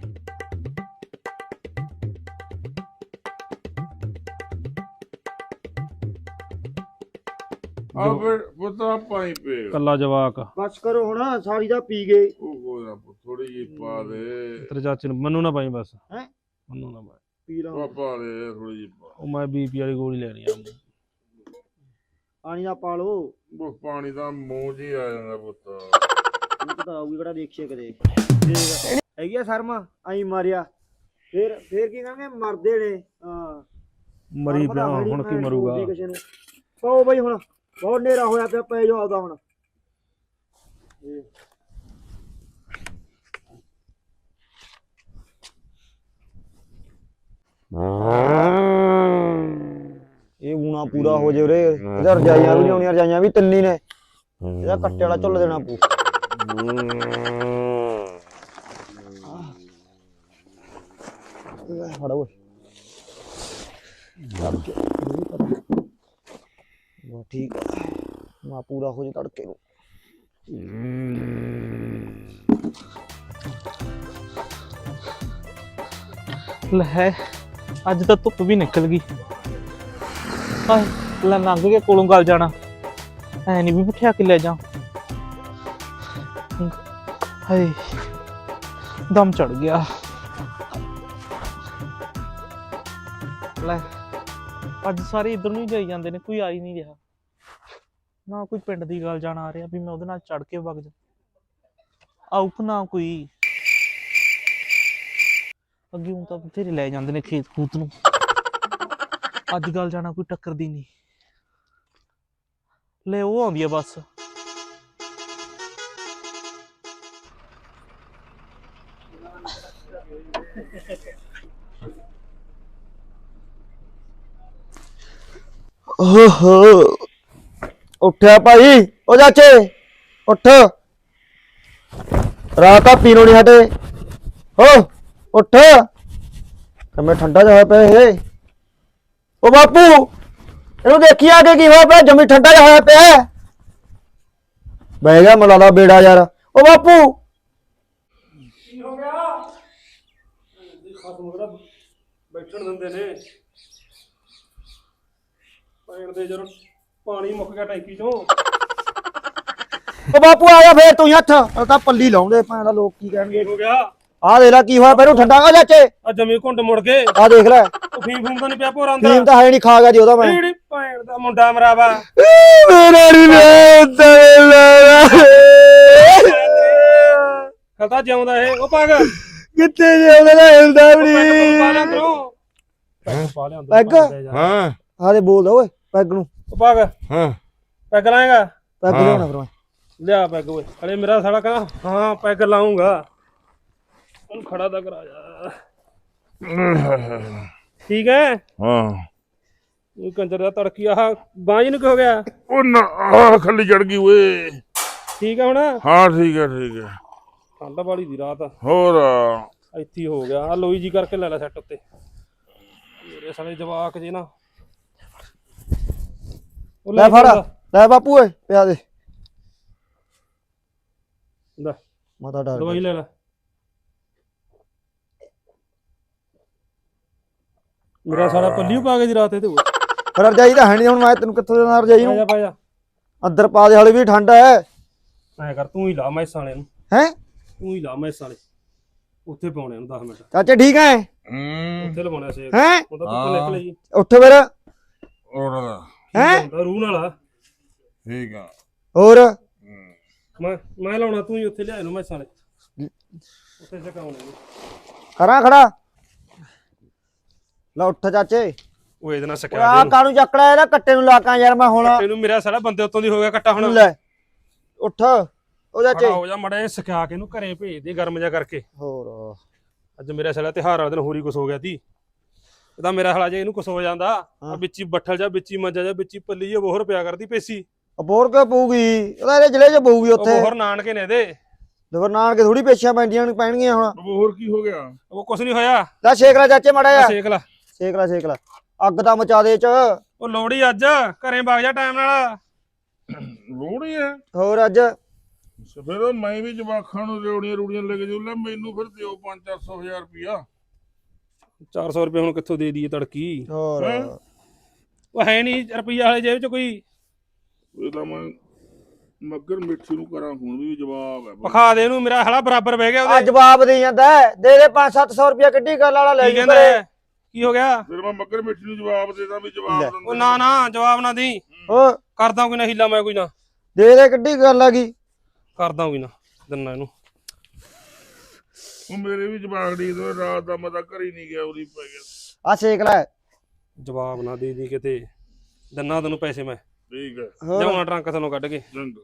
Speaker 2: ਆ ਫਿਰ ਪੁੱਤਾ ਪਾਈ ਪੇ
Speaker 3: ਕੱਲਾ ਜਵਾਕ
Speaker 1: ਬਸ ਕਰੋ ਹੁਣ ਸਾਰੀ ਦਾ ਪੀ ਗਏ
Speaker 2: ਉਹ ਕੋਈ ਨਾ ਥੋੜੀ ਜਿਹੀ ਪਾ ਦੇ
Speaker 3: ਤੇਰੇ ਚਾਚੇ ਨੂੰ ਮੈਨੂੰ ਨਾ ਪਾਈ ਬਸ
Speaker 1: ਹੈਂ?
Speaker 3: ਮੈਨੂੰ ਨਾ ਪਾਈ
Speaker 1: ਪੀ ਲਾ
Speaker 2: ਉਹ ਪਾ ਦੇ ਥੋੜੀ ਜਿਹੀ ਪਾ
Speaker 3: ਉਹ ਮੈਂ ਬੀਪੀ ਵਾਲੀ ਗੋਲੀ ਲੈਣੀ ਆ
Speaker 1: ਪਾਣੀ ਦਾ ਪਾ ਲੋ
Speaker 2: ਉਹ ਪਾਣੀ ਦਾ ਮੂੰਹ ਜੀ ਆ ਜਾਂਦਾ ਪੁੱਤ
Speaker 1: ਉਹ ਤਾਂ ਆਊਗੀ ਕਿਹੜਾ ਦੇਖੀਏ ਕਦੇ ਦੇਖ ਹੈਗੀ ਆ ਸ਼ਰਮ ਆਈ ਮਾਰਿਆ ਫਿਰ ਕੀ ਕਹਿੰਗੇ ਮਰਦੇ ਨੇ ਹਾਂ
Speaker 3: ਮਰੀ ਪਿਆ ਹੁਣ ਕੀ ਮਰੂਗਾ
Speaker 1: ਪਾਓ ਬਈ ਹੁਣ ਬਹੁਤ ਹਨੇਰਾ ਹੋਇਆ ਪਿਆ ਪੈ ਜਾਓ ਆਪਦਾ ਹੁਣ ਇਹ ਊਣਾ ਪੂਰਾ ਹੋ ਜੇ ਉਰੇ ਇਹਦਾ ਰਜਾਈਆਂ ਵੀ ਲਿਆਉਣੀਆਂ ਰਜਾਈਆਂ ਵੀ ਤਿੰਨ ਹੀ ਨੇ ਇਹਦਾ ਕੱਟੇ ਵਾਲਾ ਝੁੱਲ ਦੇਣਾ ਪੂ ਫੜਾ ਓਏ ਬਾ ਠੀਕ ਆ ਮਾ ਪੂਰਾ ਹੋ ਜੇ ਤੜਕੇ ਨੂੰ
Speaker 7: ਲੈ ਅੱਜ ਤਾਂ ਧੁੱਪ ਵੀ ਨਿਕਲ ਗਈ ਹਾਏ ਲੈ ਲੰਘ ਕੇ ਕੋਲੋਂ ਗਲ ਜਾਣਾ ਐ ਨਹੀਂ ਵੀ ਬਿਠਾ ਕੇ ਲੈ ਜਾ ਹਾਏ ਦਮ ਚੜ ਗਿਆ ਲੈ ਅੱਜ ਸਾਰੇ ਇਧਰ ਨੂੰ ਹੀ ਜਾਈ ਜਾਂਦੇ ਨੇ ਕੋਈ ਆ ਹੀ ਨਹੀਂ ਰਿਹਾ ਨਾ ਕੋਈ ਪਿੰਡ ਦੀ ਗੱਲ ਜਾਣ ਆ ਰਿਹਾ ਵੀ ਮੈਂ ਉਹਦੇ ਨਾਲ ਚੜ ਕੇ ਵਗ ਜਾ ਆਉਪ ਨਾ ਕੋਈ ਅੱਗੇ ਹੁਣ ਤਾਂ ਬਥੇਰੇ ਲੈ ਜਾਂਦੇ ਨੇ ਖੇਤ ਖੂਤ ਨੂੰ ਅੱਜ ਗੱਲ ਜਾਣਾ ਕੋਈ ਟੱਕਰਦੀ ਨਹੀਂ। ਲੈ ਉਹ ਆਉਂਦੀ ਆ ਬਸ।
Speaker 1: ਓਹੋ ਉੱਠਿਆ ਭਾਈ, ਓ ਚਾਚੇ ਉੱਠ, ਰਾਤ ਆ ਪੀਣੋਂ ਨਹੀਂ ਹਟੇ। ਹੋ ਉੱਠ, ਕਿਵੇਂ ਠੰਡਾ ਜਿਹਾ ਹੋਇਆ ਪਿਆ ਇਹ। ਓ ਬਾਪੂ ਇਹਨੂੰ ਦੇਖੀ ਆ ਕੇ ਕੀ ਹੋਇਆ ਪਿਆ, ਜਮੀ ਠੰਡਾ ਜਿਹਾ ਹੋਇਆ ਪਿਆ। ਬਹਿ ਗਿਆ ਮਲਾ ਦਾ ਬੇੜਾ ਯਾਰ। ਓ ਬਾਪੂ
Speaker 3: ਬੈਠਣ ਦਿੰਦੇ ਨੇ ਪੈਣ ਦੇ ਜਦੋਂ ਪਾਣੀ ਮੁੱਕ ਗਿਆ ਟੈਂਕੀ ਚੋਂ।
Speaker 1: ਓ ਬਾਪੂ ਆ ਜਾ ਫੇਰ ਤੂੰ ਹੀ ਹੱਥ, ਉਹ ਤਾਂ ਪੱਲੀ ਲਾਉਂਦੇ ਭਾਂ ਦਾ, ਲੋਕ ਕੀ ਕਹਿਣਗੇ।
Speaker 3: ਹੋ ਗਿਆ
Speaker 1: ਆਹ ਦੇਖ ਲੈ ਕੀ ਹੋਇਆ ਪਿਆ, ਇਹਨੂੰ ਠੰਡਾ। ਆ ਚਾਚੇ
Speaker 3: ਆ ਜਮੀ ਘੁੰਡ ਮੁੜ ਕੇ
Speaker 1: ਆਹ ਦੇਖ ਲੈ,
Speaker 3: ਫੀਮ ਫੂਮ ਤਾਂ ਨਹੀਂ ਪਿਆ ਭੋਰਾਂ ਦਾ।
Speaker 1: ਫੀਮ ਤਾਂ ਹੈ ਨਹੀਂ, ਖਾ ਗਿਆ ਜੀ ਉਹਦਾ ਮੈਂ।
Speaker 3: ਜਿਹੜੀ ਪੈਣ ਦਾ ਮੁੰਡਾ ਮਰਾਵਾ
Speaker 1: ਮੇਰਾ ਨਹੀਂ
Speaker 3: ਖਲਤਾ ਜਿਉਂਦਾ ਇਹ। ਉਹ ਪੱਗ
Speaker 1: ਕਿੱਥੇ ਜੇ ਉਹਦਾ ਹਿਲਦਾ ਵੀ
Speaker 3: ਪਾ ਲਿਆ
Speaker 1: ਨਹੀਂ।
Speaker 3: ਕਰੋ, ਪੈਗ ਪਾ ਲਿਆ ਅੰਦਰ,
Speaker 1: ਪੈਗ?
Speaker 3: ਪਾ ਦੇ ਜਾ।
Speaker 2: ਹਾਂ
Speaker 1: ਆਹ ਦੇ ਬੋਲਦਾ ਓਏ ਪੈਗ ਨੂੰ।
Speaker 3: ਉਹ ਪੱਗ
Speaker 2: ਹਾਂ
Speaker 3: ਪੈਗ ਲਾਏਗਾ?
Speaker 1: ਪੈਗ
Speaker 2: ਹਾਂ।
Speaker 1: ਲਿਆਉਣਾ ਫਿਰ ਮੈਂ।
Speaker 3: ਲਿਆ ਪੈਗ ਓਏ। ਅਰੇ ਮੇਰਾ ਸਾਲਾ ਕਹਿੰਦਾ ਹਾਂ ਪੈਗ ਲਾਉਂਗਾ। ਉਹਨੂੰ ਖੜਾ ਤਾਂ ਕਰਾ ਜਾ। ਠੀਕ ਹੈ।
Speaker 2: ਹਾਂ
Speaker 3: ਉਹ ਕੰਜਰ ਦਾ ਤੜਕੀ ਆਹ ਬਾਂਝ ਨੂੰ ਕੀ ਹੋ ਗਿਆ?
Speaker 2: ਉਹ ਨਾ ਆਹ ਖੱਲੀ ਚੜ ਗਈ ਓਏ।
Speaker 3: ਠੀਕ ਹੈ ਹੁਣ?
Speaker 2: ਹਾਂ ਠੀਕ ਹੈ ਠੀਕ ਹੈ।
Speaker 3: ਠੰਡ ਵਾਲੀ ਦੀ ਰਾਤ
Speaker 2: ਹੋਰ
Speaker 3: ਇੱਥੇ ਹੀ ਹੋ ਗਿਆ। ਆ ਲੋਈ ਜੀ ਕਰਕੇ ਲੈ ਲੈ ਸੈੱਟ ਉੱਤੇ। ਮੇਰੇ ਸਾਲੇ ਜਵਾਕ ਜੇ ਨਾ ਉਹ
Speaker 1: ਲੈ ਫੜ, ਲੈ ਬਾਪੂ ਓਏ ਪਿਆ ਦੇ।
Speaker 3: ਲੈ
Speaker 1: ਮਾਤਾ ਡਰ
Speaker 3: ਦਵਾਈ
Speaker 1: ਗਈ।
Speaker 3: ਲੈ ਲੈ। ਮੇਰਾ ਸਾਲਾ ਪੱਲੀ ਪਾ ਕੇ ਦੀ ਰਾਤ ਇਹਦੇ ਕੋਲ।
Speaker 1: ਫਿਰ ਰਜਾਈ ਤਾਂ ਹੈ ਨਹੀਂ, ਹੁਣ ਮੈਂ ਤੈਨੂੰ ਕਿੱਥੋਂ ਦੇਣਾ ਰਜਾਈ
Speaker 3: ਪਾ ਜਾ
Speaker 1: ਨੂੰ।
Speaker 3: ਪਾ ਜਾ।
Speaker 1: ਅੰਦਰ ਪਾ ਦੇ, ਹਲੇ ਵੀ ਠੰਡ ਹੈ।
Speaker 3: ਐ ਕਰ ਤੂੰ ਹੀ ਲਾ ਮੈਸਾਂ ਵਾਲੇ ਨੂੰ,
Speaker 1: ਹੈ
Speaker 3: ਤੂੰ ਹੀ ਲਾ ਮੈਸਾਂ ਵਾਲੇ। ਉੱਥੇ ਪਾਉਣੇ ਨੂੰ 10 ਮਿੰਟ
Speaker 1: ਚਾਚੇ ਠੀਕ ਹੈ?
Speaker 3: ਉੱਥੇ ਲਵਾਉਣਾ ਸੇਕ।
Speaker 1: ਹੈ
Speaker 3: ਉਹ ਤਾਂ ਧੁੱਪ ਨਿਕਲੇ ਜੀ।
Speaker 1: ਉੱਠ ਫਿਰ।
Speaker 2: ਹੋਰ
Speaker 1: ਹੈਂ?
Speaker 3: ਰੂਹ ਨਾਲ
Speaker 2: ਠੀਕ ਆ।
Speaker 1: ਹੋਰ
Speaker 3: ਮੈਂ ਲਾਉਣਾ, ਤੂੰ ਹੀ ਉੱਥੇ ਲਿਆ ਇਹਨੂੰ ਮੈਸਾਂ ਵਾਲੇ ਉੱਥੇ ਚਕਾਉਣੇ ਨੂੰ।
Speaker 1: ਕਰਾਂ ਖੜਾ। ਲੈ ਉੱਠ ਚਾਚੇ।
Speaker 3: ਉਹ ਇਹਦੇ ਨਾਲ
Speaker 1: ਓਏ
Speaker 3: ਸਕਿਆ
Speaker 1: ਆਹ ਕਾਹਨੂੰ ਚੱਕੜਾ, ਇਹਦਾ ਕੱਟੇ ਨੂੰ ਲਾਕਾਂ ਯਾਰ ਮੈਂ ਹੁਣ।
Speaker 3: ਇਹਨੂੰ ਮੇਰਾ ਸਾਲਾ ਬੰਦੇ ਉੱਤੋਂ ਦੀ ਹੋ ਗਿਆ ਕੱਟਾ ਹੁਣ।
Speaker 1: ਲੈ ਉੱਠ ਉਹ ਚਾਚੇ।
Speaker 3: ਖੜਾ ਹੋ ਜਾ ਮੜਾ ਸਕਿਆ ਕੇ ਇਹਨੂੰ ਘਰੇ ਭੇਜ ਦੇ ਗਰਮ ਜਾ ਕਰਕੇ।
Speaker 1: ਹੋਰ
Speaker 3: ਅੱਜ ਮੇਰਾ ਸਾਲਾ ਤਿਉਹਾਰ ਵਾਲੇ ਦਿਨ ਹੋਰੀ ਕੁਛ ਹੋ ਗਿਆ ਤੀ। ਇਹਦਾ ਮੇਰਾ ਹਾਲਾ ਜੇ ਇਹਨੂੰ ਕੁਛ ਹੋ ਜਾਂਦਾ ਆ ਵਿੱਚੀ ਬੱਠਲ ਜਾ, ਵਿੱਚੀ ਮੰਜਾ ਜਾ, ਵਿੱਚੀ ਪੱਲੀ ਜਾ ਬੋਹਰ ਪਿਆ ਕਰਦੀ ਪੇਸੀ।
Speaker 1: ਬੋਰ ਕਿਉਂ ਪਊਗੀ, ਉਹਦਾ ਇਹਦੇ ਜ਼ਿਲ੍ਹੇ 'ਚ ਪਊਗੀ
Speaker 3: ਉਹ
Speaker 1: ਉੱਥੇ।
Speaker 3: ਬੋਹਰ ਨਾਨਕੇ ਨੇ ਇਹਦੇ।
Speaker 1: ਦਵਰ ਨਾਨਕੇ ਥੋੜੀ ਪੇਸ਼ੀਆਂ ਪੈਣਗੀਆਂ ਹੁਣ।
Speaker 2: ਹੋਰ ਕੀ ਹੋ ਗਿਆ?
Speaker 3: ਉਹ ਕੁਛ ਨਹੀਂ ਹੋਇਆ।
Speaker 1: ਲੈ ਛੇਕ ਲੈ ਚਾਚੇ ਮਾੜਾ ਜਾ।
Speaker 3: ਸੇਕ ਲਾ।
Speaker 1: ਛੇਕ ਲੈ ਛੇਕ ਲੈ, ਅੱਗ ਤਾਂ ਮਚਾ ਦੇ ਚ।
Speaker 3: ਉਹ ਲੋੜੀ ਅੱਜ ਘਰੇ ਵਗ ਜਾ ਟਾਈਮ ਨਾਲ।
Speaker 2: ਲੋੜੀ ਹੈ
Speaker 1: ਹੋਰ ਅੱਜ
Speaker 2: ਫਿਰ ਮੈਂ ਵੀ ਜਵਾਖਾਂ ਨੂੰ ਰੋੜੀਆਂ ਰੂੜੀਆਂ ਲੈ ਕੇ ਜਾਉ। ਲੈ ਮੈਨੂੰ ਫਿਰ ਦਿਓ 500-400 ਰੁਪਿਆ।
Speaker 3: 400 ਰੁਪਏ ਹੁਣ ਕਿੱਥੋਂ ਦੇ ਦਈਏ ਤੜਕੀ?
Speaker 1: ਹੋਰ
Speaker 2: ਹੈਂ?
Speaker 3: ਉਹ ਹੈ ਨਹੀਂ ਰੁਪਈਆ ਵਾਲੇ ਜੇਬ ਚ ਕੋਈ।
Speaker 2: ਇਹ ਤਾਂ ਮੈਂ ਮੱਗਰ ਮਿੱਠੀ ਨੂੰ ਕਰਾਂ ਹੁਣ ਵੀ ਜਵਾਬ ਹੈ।
Speaker 3: ਪਖਾ ਦੇ ਇਹਨੂੰ, ਮੇਰਾ ਹਾਲਾ ਬਰਾਬਰ ਬਹਿ ਗਿਆ
Speaker 1: ਆ
Speaker 3: ਉਹਦੇ।
Speaker 1: ਜਵਾਬ ਦੇ ਜਾਂਦਾ ਹੈ। ਦੇ ਦੇ 500-700 ਰੁਪਇਆ ਕਿੱਡੀ ਗੱਲ ਵਾਲਾ ਲੈ
Speaker 3: ਕੀ
Speaker 1: ਜੀ
Speaker 3: ਕਹਿੰਦਾ
Speaker 1: ਘਰੇ।
Speaker 3: ਹੈ? ਕੀ ਹੋ ਗਿਆ?
Speaker 2: ਫਿਰ ਮੈਂ ਮੱਗਰ ਮਿੱਠੀ ਨੂੰ ਜਵਾਬ ਦੇਦਾ ਵੀ ਜਵਾਬ
Speaker 1: ਲੈ।
Speaker 2: ਦਿੰਦੇ
Speaker 3: ਉਹ ਨਾ ਨਾ ਜਵਾਬ ਨਾ ਦੀ।
Speaker 1: ਹੋਰ
Speaker 3: ਕਰਦਾ ਕੋਈ ਨਾ ਹੀਲਾ, ਮੈਂ ਕੋਈ ਨਾ
Speaker 1: ਦੇ ਦੇ ਕਿੱਡੀ ਗੱਲ ਆ ਗਈ।
Speaker 3: ਕਰਦਾ ਕੋਈ ਨਾ ਦਿਨਾ ਇਹਨੂੰ।
Speaker 2: ਉਹ ਮੇਰੇ ਵੀ ਜਵਾਬ ਦੀ ਦੋ ਰਾਤ ਦਾ ਮੈਂ ਤਾਂ ਘਰ ਹੀ ਨਹੀਂ ਗਿਆ, ਉਰੀ ਪੈ ਗਿਆ।
Speaker 1: ਆ ਛੇਕ ਲੈ।
Speaker 3: ਜਵਾਬ ਨਾ ਦੇ ਦੀ ਕਿਤੇ। ਦਿਨਾ ਤੈਨੂੰ ਪੈਸੇ ਮੈਂ
Speaker 2: ਠੀਕ ਹੈ
Speaker 1: ਹੋਰ
Speaker 3: ਲਿਆਉਣਾ ਟਰੰਕ ਥੱਲੋਂ ਕੱਢ ਕੇ।
Speaker 2: ਜੰਗ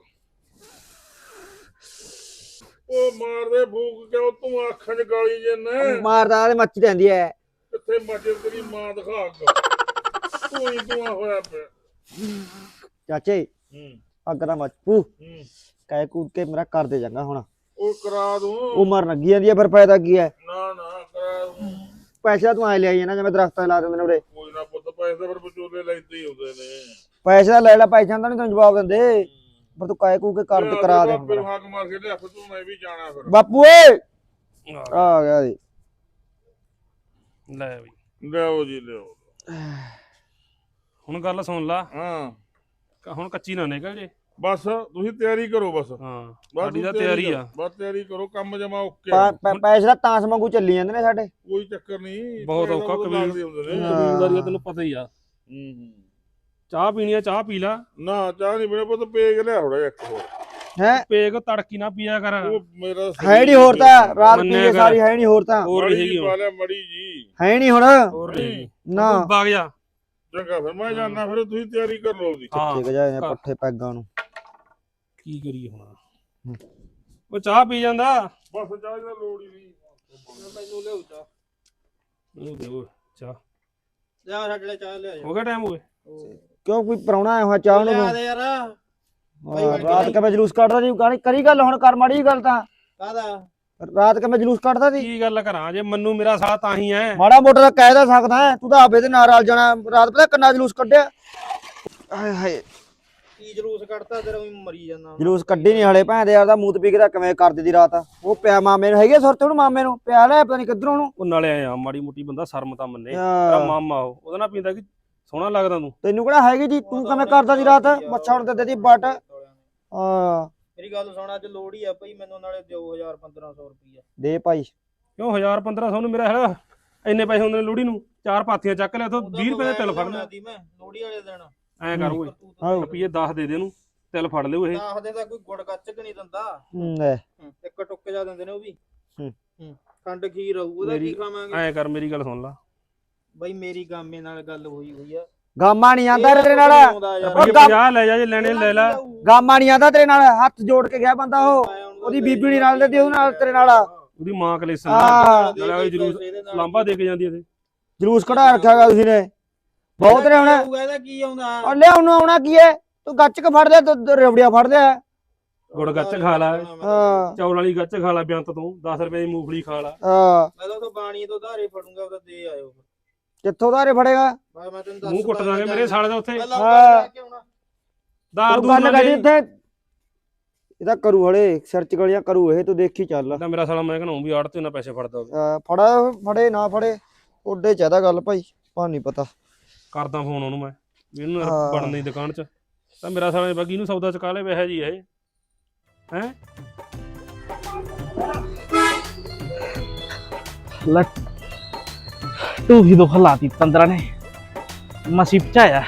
Speaker 2: ਉਹ ਮਾਰਦੇ ਫੂਕ ਕਿਉਂ ਤੂੰ ਅੱਖਾਂ 'ਚ ਗਾਲੀ ਜੰਨੇ
Speaker 1: ਮਾਰਦਾ ਤੇ ਮੱਚ ਜਾਂਦੀ ਐ।
Speaker 2: ਕਿੱਥੇ ਮੱਜੇ ਤੇਰੀ ਮਾਂ ਦਿਖਾ ਅੱਗ। ਤੂੰ ਹੀ ਤੂੰ ਹੋਇਆ ਪਿਆ।
Speaker 1: ਚਾਚੇ
Speaker 2: ਹੂੰ
Speaker 1: ਅੱਗ ਦਾ ਮੱਚੂ
Speaker 2: ਹੂੰ
Speaker 1: ਕਹਿ ਕੂਦ ਕੇ ਮੇਰਾ ਕਰ ਦੇ ਜਾਂਗਾ ਹੁਣ।
Speaker 2: ਉਹ ਕਰਾ ਦੂੰ।
Speaker 1: ਉਮਰ ਲੱਗੀ ਜਾਂਦੀ ਐ, ਫਿਰ ਫਾਇਦਾ ਕੀ ਐ?
Speaker 2: ਨਾ ਨਾ ਕਰਾ ਦੂੰ।
Speaker 1: ਪੈਸਾ ਤੂੰ ਐ ਲਿਆਈ ਨਾ ਜਿਵੇਂ ਦਰਖਤਾਂ ਲਾ ਦਿੰਦੇ ਨੇ ਉਰੇ।
Speaker 2: ਕੋਈ ਨਾ ਪੁੱਤ, ਪੈਸੇ ਤਾਂ ਫਿਰ ਵਿਚੋਲੇ ਲੈਂਦੇ ਹੀ ਹੁੰਦੇ ਨੇ।
Speaker 1: ਪੈਸੇ ਦਾ ਲੈ ਲੈ, ਪੈਸਿਆਂ ਦਾ ਨਹੀਂ ਤੈਨੂੰ ਜਵਾਬ ਦਿੰਦੇ। ਪਰ ਤੂੰ ਕਹਿ ਕੂ ਕੇ ਕਰ ਤੇ ਕਰਾ ਦੇ ਹੁਣ
Speaker 2: ਫਿਰ
Speaker 1: ਮੇਰਾ।
Speaker 2: ਹਾਕ ਮਾਰ ਕੇ ਲਿਆ ਫਿਰ ਤੂੰ, ਮੈਂ ਵੀ ਜਾਣਾ ਫਿਰ।
Speaker 1: ਬਾਪੂ ਓਏ ਆ ਗਿਆ ਜੀ।
Speaker 3: ਲੈ ਬਈ
Speaker 2: ਲਿਆਓ ਜੀ ਲਿਆਓ।
Speaker 3: ਹੁਣ ਗੱਲ ਸੁਣ ਲਾ।
Speaker 2: ਹਾਂ
Speaker 3: ਹੁਣ ਕੱਚੀ ਨਾ ਨਿਕਲ ਜੇ।
Speaker 2: ਬਸ ਤੁਸੀਂ ਤਿਆਰੀ ਕਰੋ ਬਸ।
Speaker 3: ਹਾਂ
Speaker 2: ਬਸ
Speaker 3: ਸਾਡੀ ਤਾਂ
Speaker 2: ਤੁਸੀਂ
Speaker 3: ਤਿਆਰੀ ਆ।
Speaker 2: ਬਸ ਤਿਆਰੀ ਕਰੋ, ਕੰਮ ਜਮਾ ਓਕੇ ਆ।
Speaker 1: ਪੈਸੇ ਦਾ ਤਾਂਸ ਵਾਂਗੂ ਚੱਲੀ ਜਾਂਦੇ ਨੇ ਸਾਡੇ।
Speaker 2: ਕੋਈ ਚੱਕਰ ਨਹੀਂ।
Speaker 3: ਬਹੁਤ
Speaker 2: ਪੈਸੇ
Speaker 3: ਔਖਾ
Speaker 2: ਤਾਂ
Speaker 3: ਕਬੀਰ।
Speaker 2: ਲੱਗਦੇ ਹੁੰਦੇ ਨੇ।
Speaker 3: ਕਬੀਲਦਾਰੀ ਦਾ ਤੈਨੂੰ ਪਤਾ ਹੀ ਆ।
Speaker 2: ਹੂੰ
Speaker 3: ਚਾਹ ਪੀਣੀ ਆ ਚਾਹ ਪੀ ਲਾ।
Speaker 2: ਨਾ ਚਾਹ ਨਹੀਂ ਮੇਰੇ ਪੁੱਤ, ਪੇਗ ਲਿਆ ਥੋੜਾ ਜਿਹਾ ਇੱਕ ਹੋਰ।
Speaker 1: ਹੈ
Speaker 3: ਪੇਗ ਤੜਕੀ ਨਾ ਪੀਆ ਕਰ।
Speaker 2: ਉਹ ਮੇਰਾ
Speaker 1: ਹੈ ਨਹੀਂ ਹੋਰ ਤਾਂ ਰਾਤ
Speaker 3: ਮੰਨਿਆ
Speaker 1: ਪੀਏ
Speaker 3: ਕਰ।
Speaker 1: ਸਾਰੀ ਹੈ ਨਹੀਂ ਹੋਰ ਤਾਂ।
Speaker 3: ਹੋਰ
Speaker 2: ਮੜੀ
Speaker 3: ਨਹੀਂ
Speaker 2: ਜੀ
Speaker 3: ਹੈਗੀ
Speaker 2: ਪਾ
Speaker 3: ਹੁਣ।
Speaker 2: ਲਿਆ ਮੜੀ ਜੀ।
Speaker 1: ਹੈ ਨਹੀਂ ਹੁਣ
Speaker 3: ਹੋਰ ਨਹੀਂ ਹੈਗੀ।
Speaker 1: ਨਾ।
Speaker 3: ਤੂੰ ਵਗ ਜਾ
Speaker 2: ਚੰਗਾ ਫਿਰ ਮੈਂ ਜਾਣਾ, ਫਿਰ ਤੁਸੀਂ ਤਿਆਰੀ ਕਰ ਲਓ ਜੀ।
Speaker 3: ਹਾਂ
Speaker 1: ਕਿੱਥੇ ਗਏ ਨੇ ਪੱਠੇ ਪੈਗਾਂ ਨੂੰ।
Speaker 3: ਕੀ ਕਰੀਏ ਹੁਣ, ਉਹ ਚਾਹ ਪੀ ਜਾਂਦਾ।
Speaker 2: ਬਸ ਚਾਹ ਦੀ ਲੋੜ ਹੀ ਨਹੀਂ।
Speaker 5: ਮੈਨੂੰ ਲਿਆਉ ਚਾਹ,
Speaker 3: ਉਹ ਦਿਓ ਚਾਹ।
Speaker 5: ਲਿਆ ਸਾਡੇ ਲਈ ਚਾਹ ਲਿਆ
Speaker 3: ਹੋ ਗਿਆ ਟਾਈਮ ਹੋਵੇ।
Speaker 1: ਕਿਉਂ ਕੋਈ ਪ੍ਰਾਹੁਣਾ ਆਇਆ ਹੋਇਆ ਚਾਹ ਨੂੰ?
Speaker 5: ਲਿਆ ਦੇ ਯਾਰ।
Speaker 1: ਰਾਤ ਕਿਵੇਂ ਜਲੂਸ ਕੱਢਦਾ ਸੀ? ਕਰੀ ਗੱਲ ਹੁਣ, ਕਰ ਮਾੜੀ ਗੱਲ ਤਾਂ।
Speaker 5: ਕਾਹਦਾ?
Speaker 1: ਰਾਤ ਕਿਵੇਂ ਜਲੂਸ ਕੱਢਦਾ ਸੀ?
Speaker 3: ਕੀ ਗੱਲ ਕਰਾਂ, ਜੇ ਮੰਨੂ ਮੇਰਾ ਸਾਥ ਤਾਂ ਹੀ ਹੈ।
Speaker 1: ਮਾੜਾ ਮੋਟਾ ਤਾਂ ਕਹਿ ਦਾ ਸਕਦਾ ਹੈ, ਤੂੰ ਤਾਂ ਆਪੇ ਦੇ ਨਾਲ ਰਲ ਜਾਣਾ। ਰਾਤ ਪਤਾ ਕਿੰਨਾ ਜਲੂਸ ਕੱਢਿਆ। ਹਾਏ ਹਾਏ
Speaker 5: ਕੀ ਜਲੂਸ ਕੱਢਤਾ ਤੇਰਾ, ਵੀ ਮਰੀ ਜਾਂਦਾ।
Speaker 1: ਜਲੂਸ ਕੱਢੀ ਨਹੀਂ ਹਲੇ ਭੈਣ ਦੇ ਯਾਰ ਦਾ ਮੂਤ ਪੀ ਕੇ ਤਾਂ ਕਿਵੇਂ ਕਰ ਦਿੱਤੀ ਰਾਤ। ਉਹ ਪਿਆ ਮਾਮੇ ਨੂੰ, ਹੈਗੇ ਸੁਰਤ ਉਹਨੂੰ, ਮਾਮੇ ਨੂੰ ਪਿਆ ਲੈ ਪਤਾ ਨਹੀਂ ਕਿੱਧਰੋਂ ਉਹਨੂੰ।
Speaker 3: ਉਹ ਨਾਲੇ ਆਇਆ ਮਾੜੀ ਮੋਟੀ ਬੰਦਾ ਸ਼ਰਮ ਤਾਂ ਮੰਨੇ।
Speaker 1: ਹਾਂ।
Speaker 3: ਤੇਰਾ ਮਾਮਾ ਉਹਦਾ ਨਾਲ ਪੀਂਦਾ ਕਿ ਸੋਹਣਾ ਲੱਗਦਾ ਤੂੰ।
Speaker 1: ਤੈਨੂੰ ਕਿਹੜਾ ਹੈਗੀ ਜੀ, ਤੂੰ ਕਿਵੇਂ ਕਰਦਾ ਸੀ ਰਾਤ? ਮੱਛਾ ਹੁਣ ਤੇ ਦੀ ਬੱਟ। ਹਾਂ
Speaker 5: ਮੇਰੀ ਗੱਲ ਸੁਣ, ਅੱਜ ਲੋੜ ਹੀ ਆ ਭਾਈ ਮੈਨੂੰ, ਨਾਲੇ ਦਿਓ 1000-1500 ਰੁਪਈਆ
Speaker 1: ਦੇ ਭਾਈ।
Speaker 3: ਕਿਉਂ 1000-1500 ਨੂੰ ਮੇਰਾ ਹੈਗਾ ਇੰਨੇ ਪੈਸੇ ਹੁੰਦੇ ਨੇ ਲੋੜੀ ਨੂੰ? 4 ਪਾਥੀਆਂ ਚੱਕ ਲਿਆ ਤੋਂ 20 ਰੁਪਏ ਦੇ ਤਿਲ ਫੜ ਲਿਆ।
Speaker 5: ਮੈਂ ਲੋੜੀ ਵਾਲੇ ਦਿਨ
Speaker 3: ਐਂ ਕਰ ਓਏ, ਰੁਪਈਏ 10 ਦੇ ਦੇ ਇਹਨੂੰ, ਤਿਲ ਫੜ ਲਿਓ ਇਹ।
Speaker 5: ਦੱਸਦੇ ਤਾਂ ਕੋਈ ਗੁੜ ਗੱਚਕ ਨਹੀਂ ਦਿੰਦਾ,
Speaker 1: ਲੈ
Speaker 5: ਇੱਕ ਟੁੱਕ ਜਾ ਦਿੰਦੇ ਨੇ ਉਹ ਵੀ।
Speaker 1: ਹੂੰ।
Speaker 5: ਖੰਡ ਖੀਰ ਆਊ, ਉਹਦਾ ਕੀ ਖਾਵਾਂਗੇ?
Speaker 3: ਐਂ ਕਰ ਮੇਰੀ ਗੱਲ ਸੁਣ ਲਾ।
Speaker 5: ਬਾਈ ਮੇਰੀ ਗਾਮੇ ਨਾਲ ਗੱਲ ਹੋਈ ਆ।
Speaker 1: ਗਾਮਾ ਨਹੀਂ ਆਂਦਾ ਤੇਰੇ ਨਾਲ।
Speaker 3: ਰੁਪਈਏ 50 ਲੈ ਜਾ, ਜੇ ਲੈਣੇ ਲੈ ਲੈ।
Speaker 1: ਗਾਮਾ ਨਹੀਂ ਆਂਦਾ ਤੇਰੇ ਨਾਲ, ਹੱਥ ਜੋੜ ਕੇ ਗਿਆ ਬੰਦਾ ਉਹ। ਉਹਦੀ ਬੀਬੀ ਨਹੀਂ ਨਾਲ ਦੇ ਉਹਦੇ ਨਾਲ ਤੇਰੇ ਨਾਲ।
Speaker 3: ਉਹਦੀ ਮਾਂ ਕਲੇਸਨ
Speaker 1: ਹਾਂ।
Speaker 3: ਨਾਲੇ ਜਲੂਸ ਲਾਂਬਾ ਦੇ ਕੇ ਜਾਂਦੀ ਇਹਦੇ।
Speaker 1: ਜਲੂਸ ਕਢਾ ਰੱਖਿਆ ਗਾ ਤੁਸੀਂ ਨੇ ਬਹੁਤ ਨੇ ਹੁਣ।
Speaker 5: ਇਹਦਾ ਕੀ ਆਉਂਦਾ?
Speaker 1: ਉਹ ਲਿਆ ਉਹਨੂੰ ਆਉਣਾ ਕੀ ਹੈ? ਤੂੰ ਗੱਚ ਕੇ ਫੜ ਲਿਆ, ਤੂੰ ਰਵੜੀਆ ਫੜ ਲਿਆ।
Speaker 3: ਗੁੜ ਗੱਚ ਖਾ ਲੈ,
Speaker 1: ਹਾਂ
Speaker 3: ਚੌਲ ਵਾਲੀ ਗੱਚ ਖਾ ਲੈ ਬਿਆੰਤ ਤੋਂ, 10 ਰੁਪਏ ਦੀ ਮੂੰਗਫਲੀ ਖਾ ਲੈ।
Speaker 1: ਹਾਂ
Speaker 5: ਮੈਂ ਤਾਂ ਬਾਣੀ ਤੋਂ ਧਾਰੇ ਫੜੂੰਗਾ, ਉਹਦਾ ਦੇ ਆਇਓ।
Speaker 1: ਕਿੱਥੋਂ ਧਾਰੇ ਫੜੇਗਾ?
Speaker 5: ਮੈਂ ਤੈਨੂੰ ਦੱਸ
Speaker 3: ਮੂੰਹ ਕੁੱਟ ਦਾਂਗੇ ਮੇਰੇ ਸਾਲੇ ਦਾ ਉੱਥੇ। ਦਾਰ
Speaker 1: ਤੂੰ
Speaker 3: ਦੂਰ
Speaker 1: ਗੱਲ
Speaker 3: ਨਾ
Speaker 1: ਕਰਦੀ
Speaker 3: ਦੇ।
Speaker 1: ਉੱਥੇ ਇਹਦਾ ਕਰੂ ਹਲੇ ਸਰਚ ਗਲੀਆਂ ਕਰੂ ਇਹ, ਤੂੰ ਦੇਖੀ ਚੱਲ।
Speaker 3: ਤਾਂ ਮੇਰਾ ਸਾਲਾ ਮੈਂ ਕਹਿੰਦਾ ਵੀ ਆੜ ਤੇ ਨਾ ਪੈਸੇ ਫੜਦਾ ਹੋਵੇ।
Speaker 1: ਫੜੇ ਨਾ ਫੜੇ ਓਡੇ ਚਾਹਦਾ ਗੱਲ ਭਾਈ, ਪਾ ਨਹੀਂ ਪਤਾ।
Speaker 3: ਕਰਦਾ ਫੋਨ ਉਹਨੂੰ ਮੈਂ ਵੀ ਇਹਨੂੰ
Speaker 1: ਹਾਂ।
Speaker 3: ਬਣਨ ਦੀ ਦੁਕਾਨ 'ਚ। ਤਾਂ ਮੇਰਾ ਸਾਲਾ ਬਾਗੀ ਨੂੰ ਸੌਦਾ ਚੁਕਾ ਲੈ ਵੈਸੇ ਜੀ ਇਹ ਹੈ।
Speaker 7: ਟੂਹੀ ਤੋਂ ਖਲਾਤੀ ਤੰਦਰਾ ਨੇ ਮਸੀ ਪਚਾਇਆ।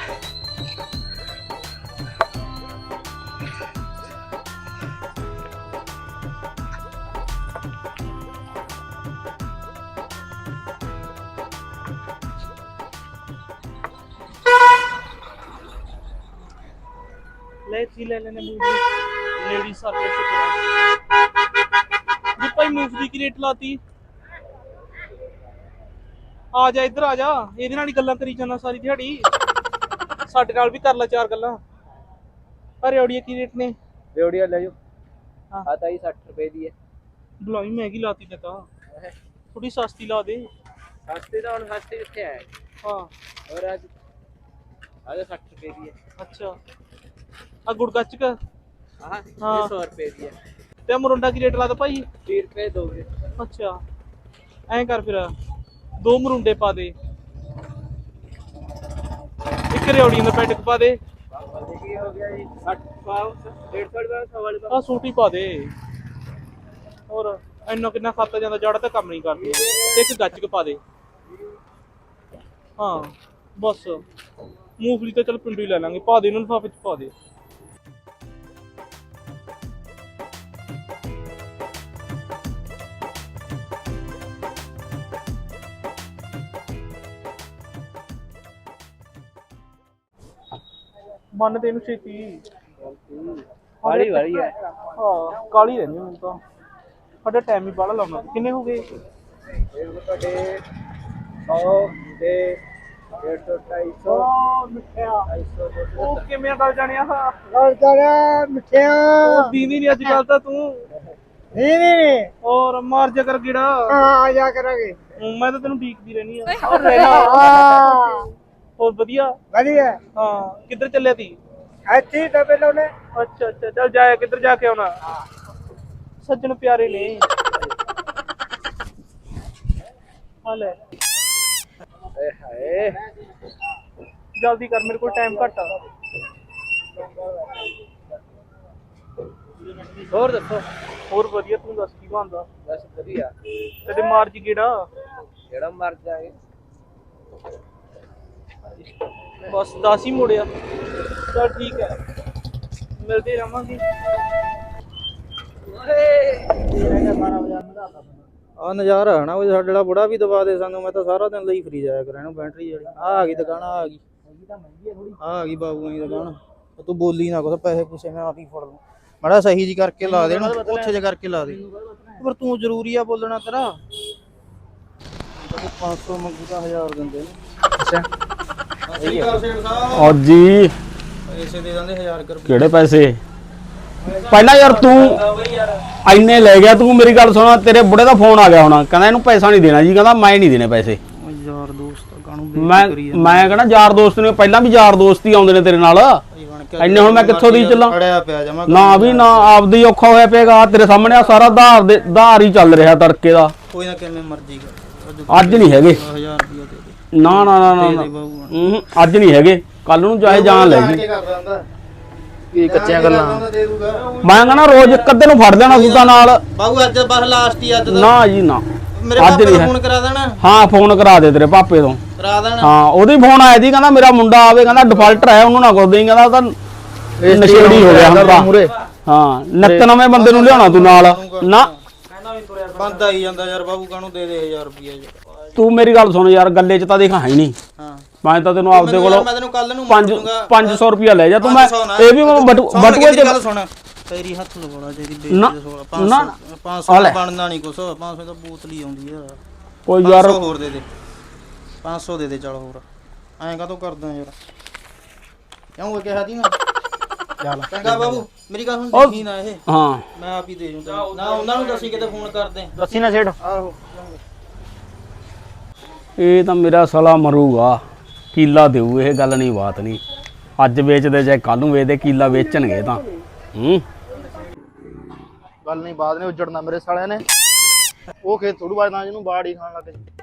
Speaker 7: ਲੈ ਤੀ ਲੈ ਲੈਨੇ ਮੂਵੀ ਲੇਡੀ ਸਰਵਿਸ ਜੀ ਭਾਈ ਮੂਵੀ ਦੀ ਰੇਟ ਲਾਤੀ। ਆ ਜਾ ਇੱਧਰ ਆ ਜਾ, ਇਹਦੇ ਨਾਲ ਹੀ ਗੱਲਾਂ ਕਰੀ ਜਾਂਦਾ ਸਾਰੀ ਦਿਹਾੜੀ। ਸਾਡੇ ਨਾਲ ਵੀ ਕਰ ਲੈ 4 ਗੱਲਾਂ। ਅਰੇ ਔੜੀਆ ਕੀ ਰੇਟ ਨੇ?
Speaker 6: ਰੇਵੜੀਆ ਲੈ ਜਾਓ।
Speaker 7: ਹਾਂ।
Speaker 6: ਆ ਤਾਂ 60 ਰੁਪਏ ਦੀ ਹੈ।
Speaker 7: ਬੁਲਾਈ ਮਹਿੰਗੀ ਲਾਤੀ ਨੇ ਤਾਂ, ਥੋੜੀ ਸਸਤੀ ਲਾ ਦੇ।
Speaker 6: ਸਸਤੇ ਤਾਂ ਹੁਣ ਸਸਤੇ ਕਿੱਥੇ ਆਏ?
Speaker 7: ਹਾਂ
Speaker 6: ਹੋਰ ਅੱਜ 60 ਰੁਪਏ ਦੀ ਹੈ।
Speaker 7: ਅੱਛਾ ਆ ਗੁੜ ਗੱਚਕ
Speaker 6: ਹਾਂ
Speaker 7: ਹਾਂ।
Speaker 6: 100 ਰੁਪਏ ਦੀ ਹੈ।
Speaker 7: ਤੇ ਮਰੁੰਡਾ ਕੀ ਰੇਟ ਲਾਦਾ ਭਾਈ?
Speaker 6: 30 ਰੁਪਏ ਦੋਗੇ।
Speaker 7: ਅੱਛਾ ਐਂ ਕਰ ਫਿਰ 2 ਮਰੁੰਡੇ ਪਾ ਦੇ, ਇੱਕ ਰਿਉੜੀਆਂ ਦਾ ਪੈਕਟ ਪਾ ਦੇ।
Speaker 6: ਕੀ ਹੋ ਗਿਆ ਜੀ? 60 ਪਾਉ 150 ਰੁਪਏ ਸਵਾਲ ਦਾ।
Speaker 7: ਆ ਸੂਟ ਹੀ ਪਾ ਦੇ। ਹੋਰ ਇੰਨਾ ਕਿੰਨਾ ਖਾਤਾ ਜਾਂਦਾ, ਜੜਾ ਤਾਂ ਕੰਮ ਨਹੀਂ ਕਰਦੀ। ਤੇ ਇੱਕ ਗੱਚਕ ਪਾ ਦੇ। ਹਾਂ ਬਸ ਮੂੰਗਫਲੀ ਤਾਂ ਚਲ ਪਿੰਡੂ ਹੀ ਲੈ ਲਾਂਗੇ। ਪਾ ਦੇ ਇਹਨਾਂ ਲਿਫਾਫੇ ਚ ਪਾ ਦੇ। ਮੰਨ ਦੇ ਇਹਨੂੰ ਛੇਤੀ।
Speaker 6: ਵਾਲੀ ਵਾਲੀ ਹੈ।
Speaker 7: ਹਾਂ ਕਾਲੀ ਰਹਿੰਦੀ ਮੈਨੂੰ ਤਾਂ। ਸਾਡਾ ਟਾਈਮ ਹੀ ਬਾਹਲਾ ਲਾਉਣਾ। ਕਿੰਨੇ ਹੋ ਗਏ?
Speaker 6: ਇਹ ਤੁਹਾਡੇ 100 ਤੇ 150 250
Speaker 7: ਮਿੱਠਿਆ
Speaker 6: 250
Speaker 7: ਉਹ ਕਿਵੇਂ ਗੱਲ ਜਾਣਿਆ?
Speaker 1: ਗੱਲ ਕਰ ਮਿੱਠਿਆ।
Speaker 7: ਉਹ ਦੀਦੀ ਨਹੀਂ ਅੱਜ ਕੱਲ ਤਾਂ ਤੂੰ।
Speaker 1: ਨਹੀਂ
Speaker 7: ਔਰ ਮਾਰ ਜਾ ਕਰ ਗਿੜਾ।
Speaker 1: ਆ ਜਾ ਕਰਾਂਗੇ।
Speaker 7: ਮੈਂ ਤਾਂ ਤੈਨੂੰ ਡੀਕਦੀ ਰਹਿਣੀ ਆ। ਹੋਰ ਵਧੀਆ
Speaker 1: ਵਧੀਆ
Speaker 7: ਹਾਂ। ਕਿੱਧਰ ਚੱਲਿਆ ਤੀ?
Speaker 1: ਇੱਥੇ ਦਬੇ ਲਾਉਣੇ।
Speaker 7: ਅੱਛਾ ਅੱਛਾ ਚੱਲ ਜਾਇਆ। ਕਿੱਧਰ ਜਾ ਕੇ ਆਉਣਾ? ਸੱਜਣ ਪਿਆਰੇ ਨੇ। ਆ ਲੈ
Speaker 6: ਏ ਹਾਏ।
Speaker 7: ਜਲਦੀ ਕਰ, ਮੇਰੇ ਕੋਲ ਟਾਈਮ ਘੱਟ ਆ।
Speaker 6: ਹੋਰ ਦੱਸੋ।
Speaker 7: ਹੋਰ ਵਧੀਆ, ਤੂੰ ਦੱਸ ਕੀ ਬਣਦਾ?
Speaker 6: ਬਸ ਵਧੀਆ।
Speaker 7: ਤੇਰੇ ਮਾਰ ਜੀ ਕਿਹੜਾ?
Speaker 6: ਜਿਹੜਾ ਮਰ ਜਾਏ।
Speaker 7: ਬਸ 10 ਹੀ ਮੁੜਿਆ। ਚਲ ਠੀਕ ਹੈ, ਮਿਲਦੇ ਰਵਾਂਗੇ।
Speaker 5: ਆ ਨਜ਼ਾਰਾ ਹੈ ਨਾ, ਉਹ ਸਾਡਾ ਜਿਹੜਾ ਬੁੜਾ ਵੀ ਦਬਾ ਦੇ ਸਾਨੂੰ। ਮੈਂ ਤਾਂ ਸਾਰਾ ਦਿਨ ਲਈ ਫਰੀ ਜਾਇਆ ਕਰਾਂ ਇਹਨੂੰ ਬੈਟਰੀ ਵਾਲੀ। ਆ ਗਈ ਦੁਕਾਨ, ਆ ਗਈ ਆ ਗਈ ਬਾਬੂ ਆਈ ਦੁਕਾਨ ਤੂੰ ਬੋਲੀ ਨਾ ਕੁਛ ਪੈਸੇ ਪੂਸੇ ਮੈਂ ਆਪ ਹੀ ਫੜ ਲੂੰ ਮਾੜਾ ਸਹੀ ਜੀ ਕਰਕੇ ਲਾ ਦੇ ਇਹਨੂੰ ਉੱਥੇ ਜੇ ਕਰਕੇ ਲਾ ਦੇ ਪਰ ਤੂੰ ਜ਼ਰੂਰੀ ਆ ਬੋਲਣਾ ਤੇਰਾ 500 ਮੰਗੂ ਤਾਂ 1000 ਦਿੰਦੇ ਨੇ
Speaker 8: ਔਰ ਜੀ
Speaker 5: ਪੈਸੇ ਦੇ ਦਿੰਦੇ 1000 ਰੁਪਏ
Speaker 8: ਕਿਹੜੇ ਪੈਸੇ ਪਹਿਲਾਂ ਯਾਰ ਤੂੰ ਇੰਨੇ ਲੈ ਗਿਆ ਤੂੰ ਮੇਰੀ ਗੱਲ ਸੁਣਾ ਤੇਰੇ ਬੁੜੇ ਦਾ ਫੋਨ ਆ ਗਿਆ ਹੋਣਾ ਕਹਿੰਦਾ ਇਹਨੂੰ ਪੈਸਾ ਨਹੀਂ ਦੇਣਾ ਜੀ ਕਹਿੰਦਾ ਮੈਂ ਨਹੀਂ ਦੇਣੇ ਪੈਸੇ
Speaker 5: ਯਾਰ ਦੋਸਤ ਕਾਹਨੂੰ
Speaker 8: ਮੈਂ ਕਹਿੰਦਾ ਯਾਰ ਦੋਸਤ ਨੇ ਪਹਿਲਾਂ ਵੀ ਯਾਰ ਦੋਸਤ ਹੀ ਆਉਂਦੇ ਨੇ ਤੇਰੇ ਨਾਲ ਇੰਨੇ ਹੁਣ ਮੈਂ ਕਿੱਥੋਂ ਦੀ ਚੱਲਾਂ
Speaker 5: ਅੜਿਆ ਪਿਆ ਜਮਾ
Speaker 8: ਨਾ ਵੀ ਨਾ ਆਪਦੀ ਔਖਾ ਹੋਇਆ ਪਿਆਗਾ ਤੇਰੇ ਸਾਹਮਣੇ ਆ ਸਾਰਾ ਧਾਰ ਹੀ ਚੱਲ ਰਿਹਾ ਤੜਕੇ ਦਾ
Speaker 5: ਕੋਈ ਨਾ ਕਿਵੇਂ ਮਰਜ਼ੀ ਕਰ
Speaker 8: ਅੱਜ ਨਹੀਂ ਹੈਗੇ
Speaker 5: 1000 ਰੁਪਏ ਦੇ ਦੇ
Speaker 8: ਨਾ ਨਾ ਨਾ ਨਾ ਅੱਜ ਨਹੀਂ ਹੈਗੇ ਕੱਲ ਨੂੰ ਚਾਹੇ ਜਾਨ ਲੈ ਜੀ
Speaker 5: ਕੀ ਕੱਚੀਆਂ ਗੱਲਾਂ
Speaker 8: ਮੈਂ ਕਹਿੰਦਾ ਰੋਜ਼ ਇੱਕ ਅੱਧੇ ਨੂੰ ਫੜ ਲੈਣਾ ਸੁੱਤਾ ਨਾਲ
Speaker 5: ਬਾਬੂ ਅੱਜ ਬਸ ਲਾਸਟ ਹੀ ਅੱਜ ਦਾ
Speaker 8: ਨਾ ਜੀ ਨਾ
Speaker 5: ਮੇਰੇ
Speaker 8: ਅੱਜ
Speaker 5: ਪਾਪੇ
Speaker 8: ਨਹੀਂ
Speaker 5: ਨੂੰ
Speaker 8: ਹੈ
Speaker 5: ਫੋਨ ਕਰਾ ਦੇਣਾ
Speaker 8: ਹਾਂ ਫੋਨ ਕਰਾ ਦੇ ਤੇਰੇ ਪਾਪੇ ਤੋਂ
Speaker 5: ਕਰਾ ਦੇਣਾ
Speaker 8: ਹਾਂ ਉਹਦੀ ਫੋਨ ਆਇਆ ਸੀ ਕਹਿੰਦਾ ਮੇਰਾ ਮੁੰਡਾ ਆਵੇ ਕਹਿੰਦਾ ਡਿਫਾਲਟਰ ਹੈ ਉਹਨੂੰ ਨਾ ਕੁਝ ਦੇਈਂ ਕਹਿੰਦਾ ਉਹ ਤਾਂ ਨਸ਼ੇੜੀ ਹੋ ਗਿਆ ਹੁਣ ਤਾਂ ਹਾਂ ਨਿੱਤ ਨਵੇਂ ਬੰਦੇ ਨੂੰ ਲਿਆਉਣਾ ਤੂੰ ਨਾਲ ਨਾ
Speaker 5: ਬੰਦ ਆਈ ਜਾਂਦਾ ਯਾਰ ਬਾਬੂ ਕਾਹਨੂੰ ਦੇ ਦੇ 1000 ਰੁਪਏ ਯਾਰ
Speaker 8: ਤੂੰ ਮੇਰੀ ਗੱਲ ਸੁਣ ਯਾਰ ਗੱਲੇ 'ਚ ਤਾਂ ਦੇਖ ਹੈ ਹੀ ਨਹੀਂ
Speaker 5: ਹਾਂ
Speaker 8: ਮੈਂ ਤਾਂ ਤੈਨੂੰ ਆਪਦੇ ਕੋਲੋਂ
Speaker 5: ਮੈਂ ਤੈਨੂੰ ਕੱਲ ਨੂੰ
Speaker 8: 500 ਰੁਪਿਆ ਲੈ ਜਾ ਤੂੰ ਮੈਂ ਇਹ ਵੀ ਮੈਂ ਬਟੂਏ 'ਚ
Speaker 5: ਗੱਲ ਸੁਣ ਤੇਰੀ ਹੱਥ ਲਵਾਉਣਾ ਚਾਹੀਦੀ
Speaker 8: ਨਾ,
Speaker 5: ਬੇਇੱਜ਼ਤੀ
Speaker 8: ਨਾ,
Speaker 5: 500 ਬਣਨਾ ਨਹੀਂ ਕੁਛ 500 ਤਾਂ ਬੋਤਲ ਹੀ ਆਉਂਦੀ ਆ
Speaker 8: ਕੋਈ ਯਾਰ
Speaker 5: 500 ਹੋਰ ਦੇ ਦੇ 500 ਦੇ ਦੇ ਚੱਲ ਹੋਰ ਐਂ ਕਾਹਤੋਂ ਕਰਦਾ ਯਾਰ ਕਿਉਂ ਕਿਹਾ ਦੀ ਨਾ ਚੰਗਾ ਬਾਬੂ ਮੇਰੀ ਗੱਲ ਹੁਣ ਦੇਖੀ ਨਾ ਇਹ
Speaker 8: ਹਾਂ
Speaker 5: ਮੈਂ ਆਪ ਹੀ ਦੇ ਜੂੰ ਨਾ ਉਹਨਾਂ ਨੂੰ ਦੱਸੀ ਕਿਤੇ ਫੋਨ ਕਰਦੇ
Speaker 7: ਦੱਸੀ ਨਾ ਛੇੜ
Speaker 5: ਆਹੋ
Speaker 8: ਇਹ ਤਾਂ ਮੇਰਾ ਸਾਲਾ ਮਰੂਗਾ ਕੀਲਾ ਦੇਊ ਇਹ ਗੱਲ ਨਹੀਂ ਬਾਤ ਨਹੀਂ ਅੱਜ ਵੇਚਦੇ ਚਾਹੇ ਕੱਲ ਨੂੰ ਵੇਚਦੇ ਕੀਲਾ ਵੇਚਣਗੇ ਤਾਂ
Speaker 5: ਗੱਲ ਨਹੀਂ ਬਾਤ ਨੇ ਉੱਜੜਨਾ ਮੇਰੇ ਸਾਲਿਆਂ ਨੇ ਉਹ ਖੇਤ ਥੋੜੂ ਬਾਅਦ ਨਾ ਜਿਹਨੂੰ ਬਾੜ ਹੀ ਖਾਣ ਲੱਗ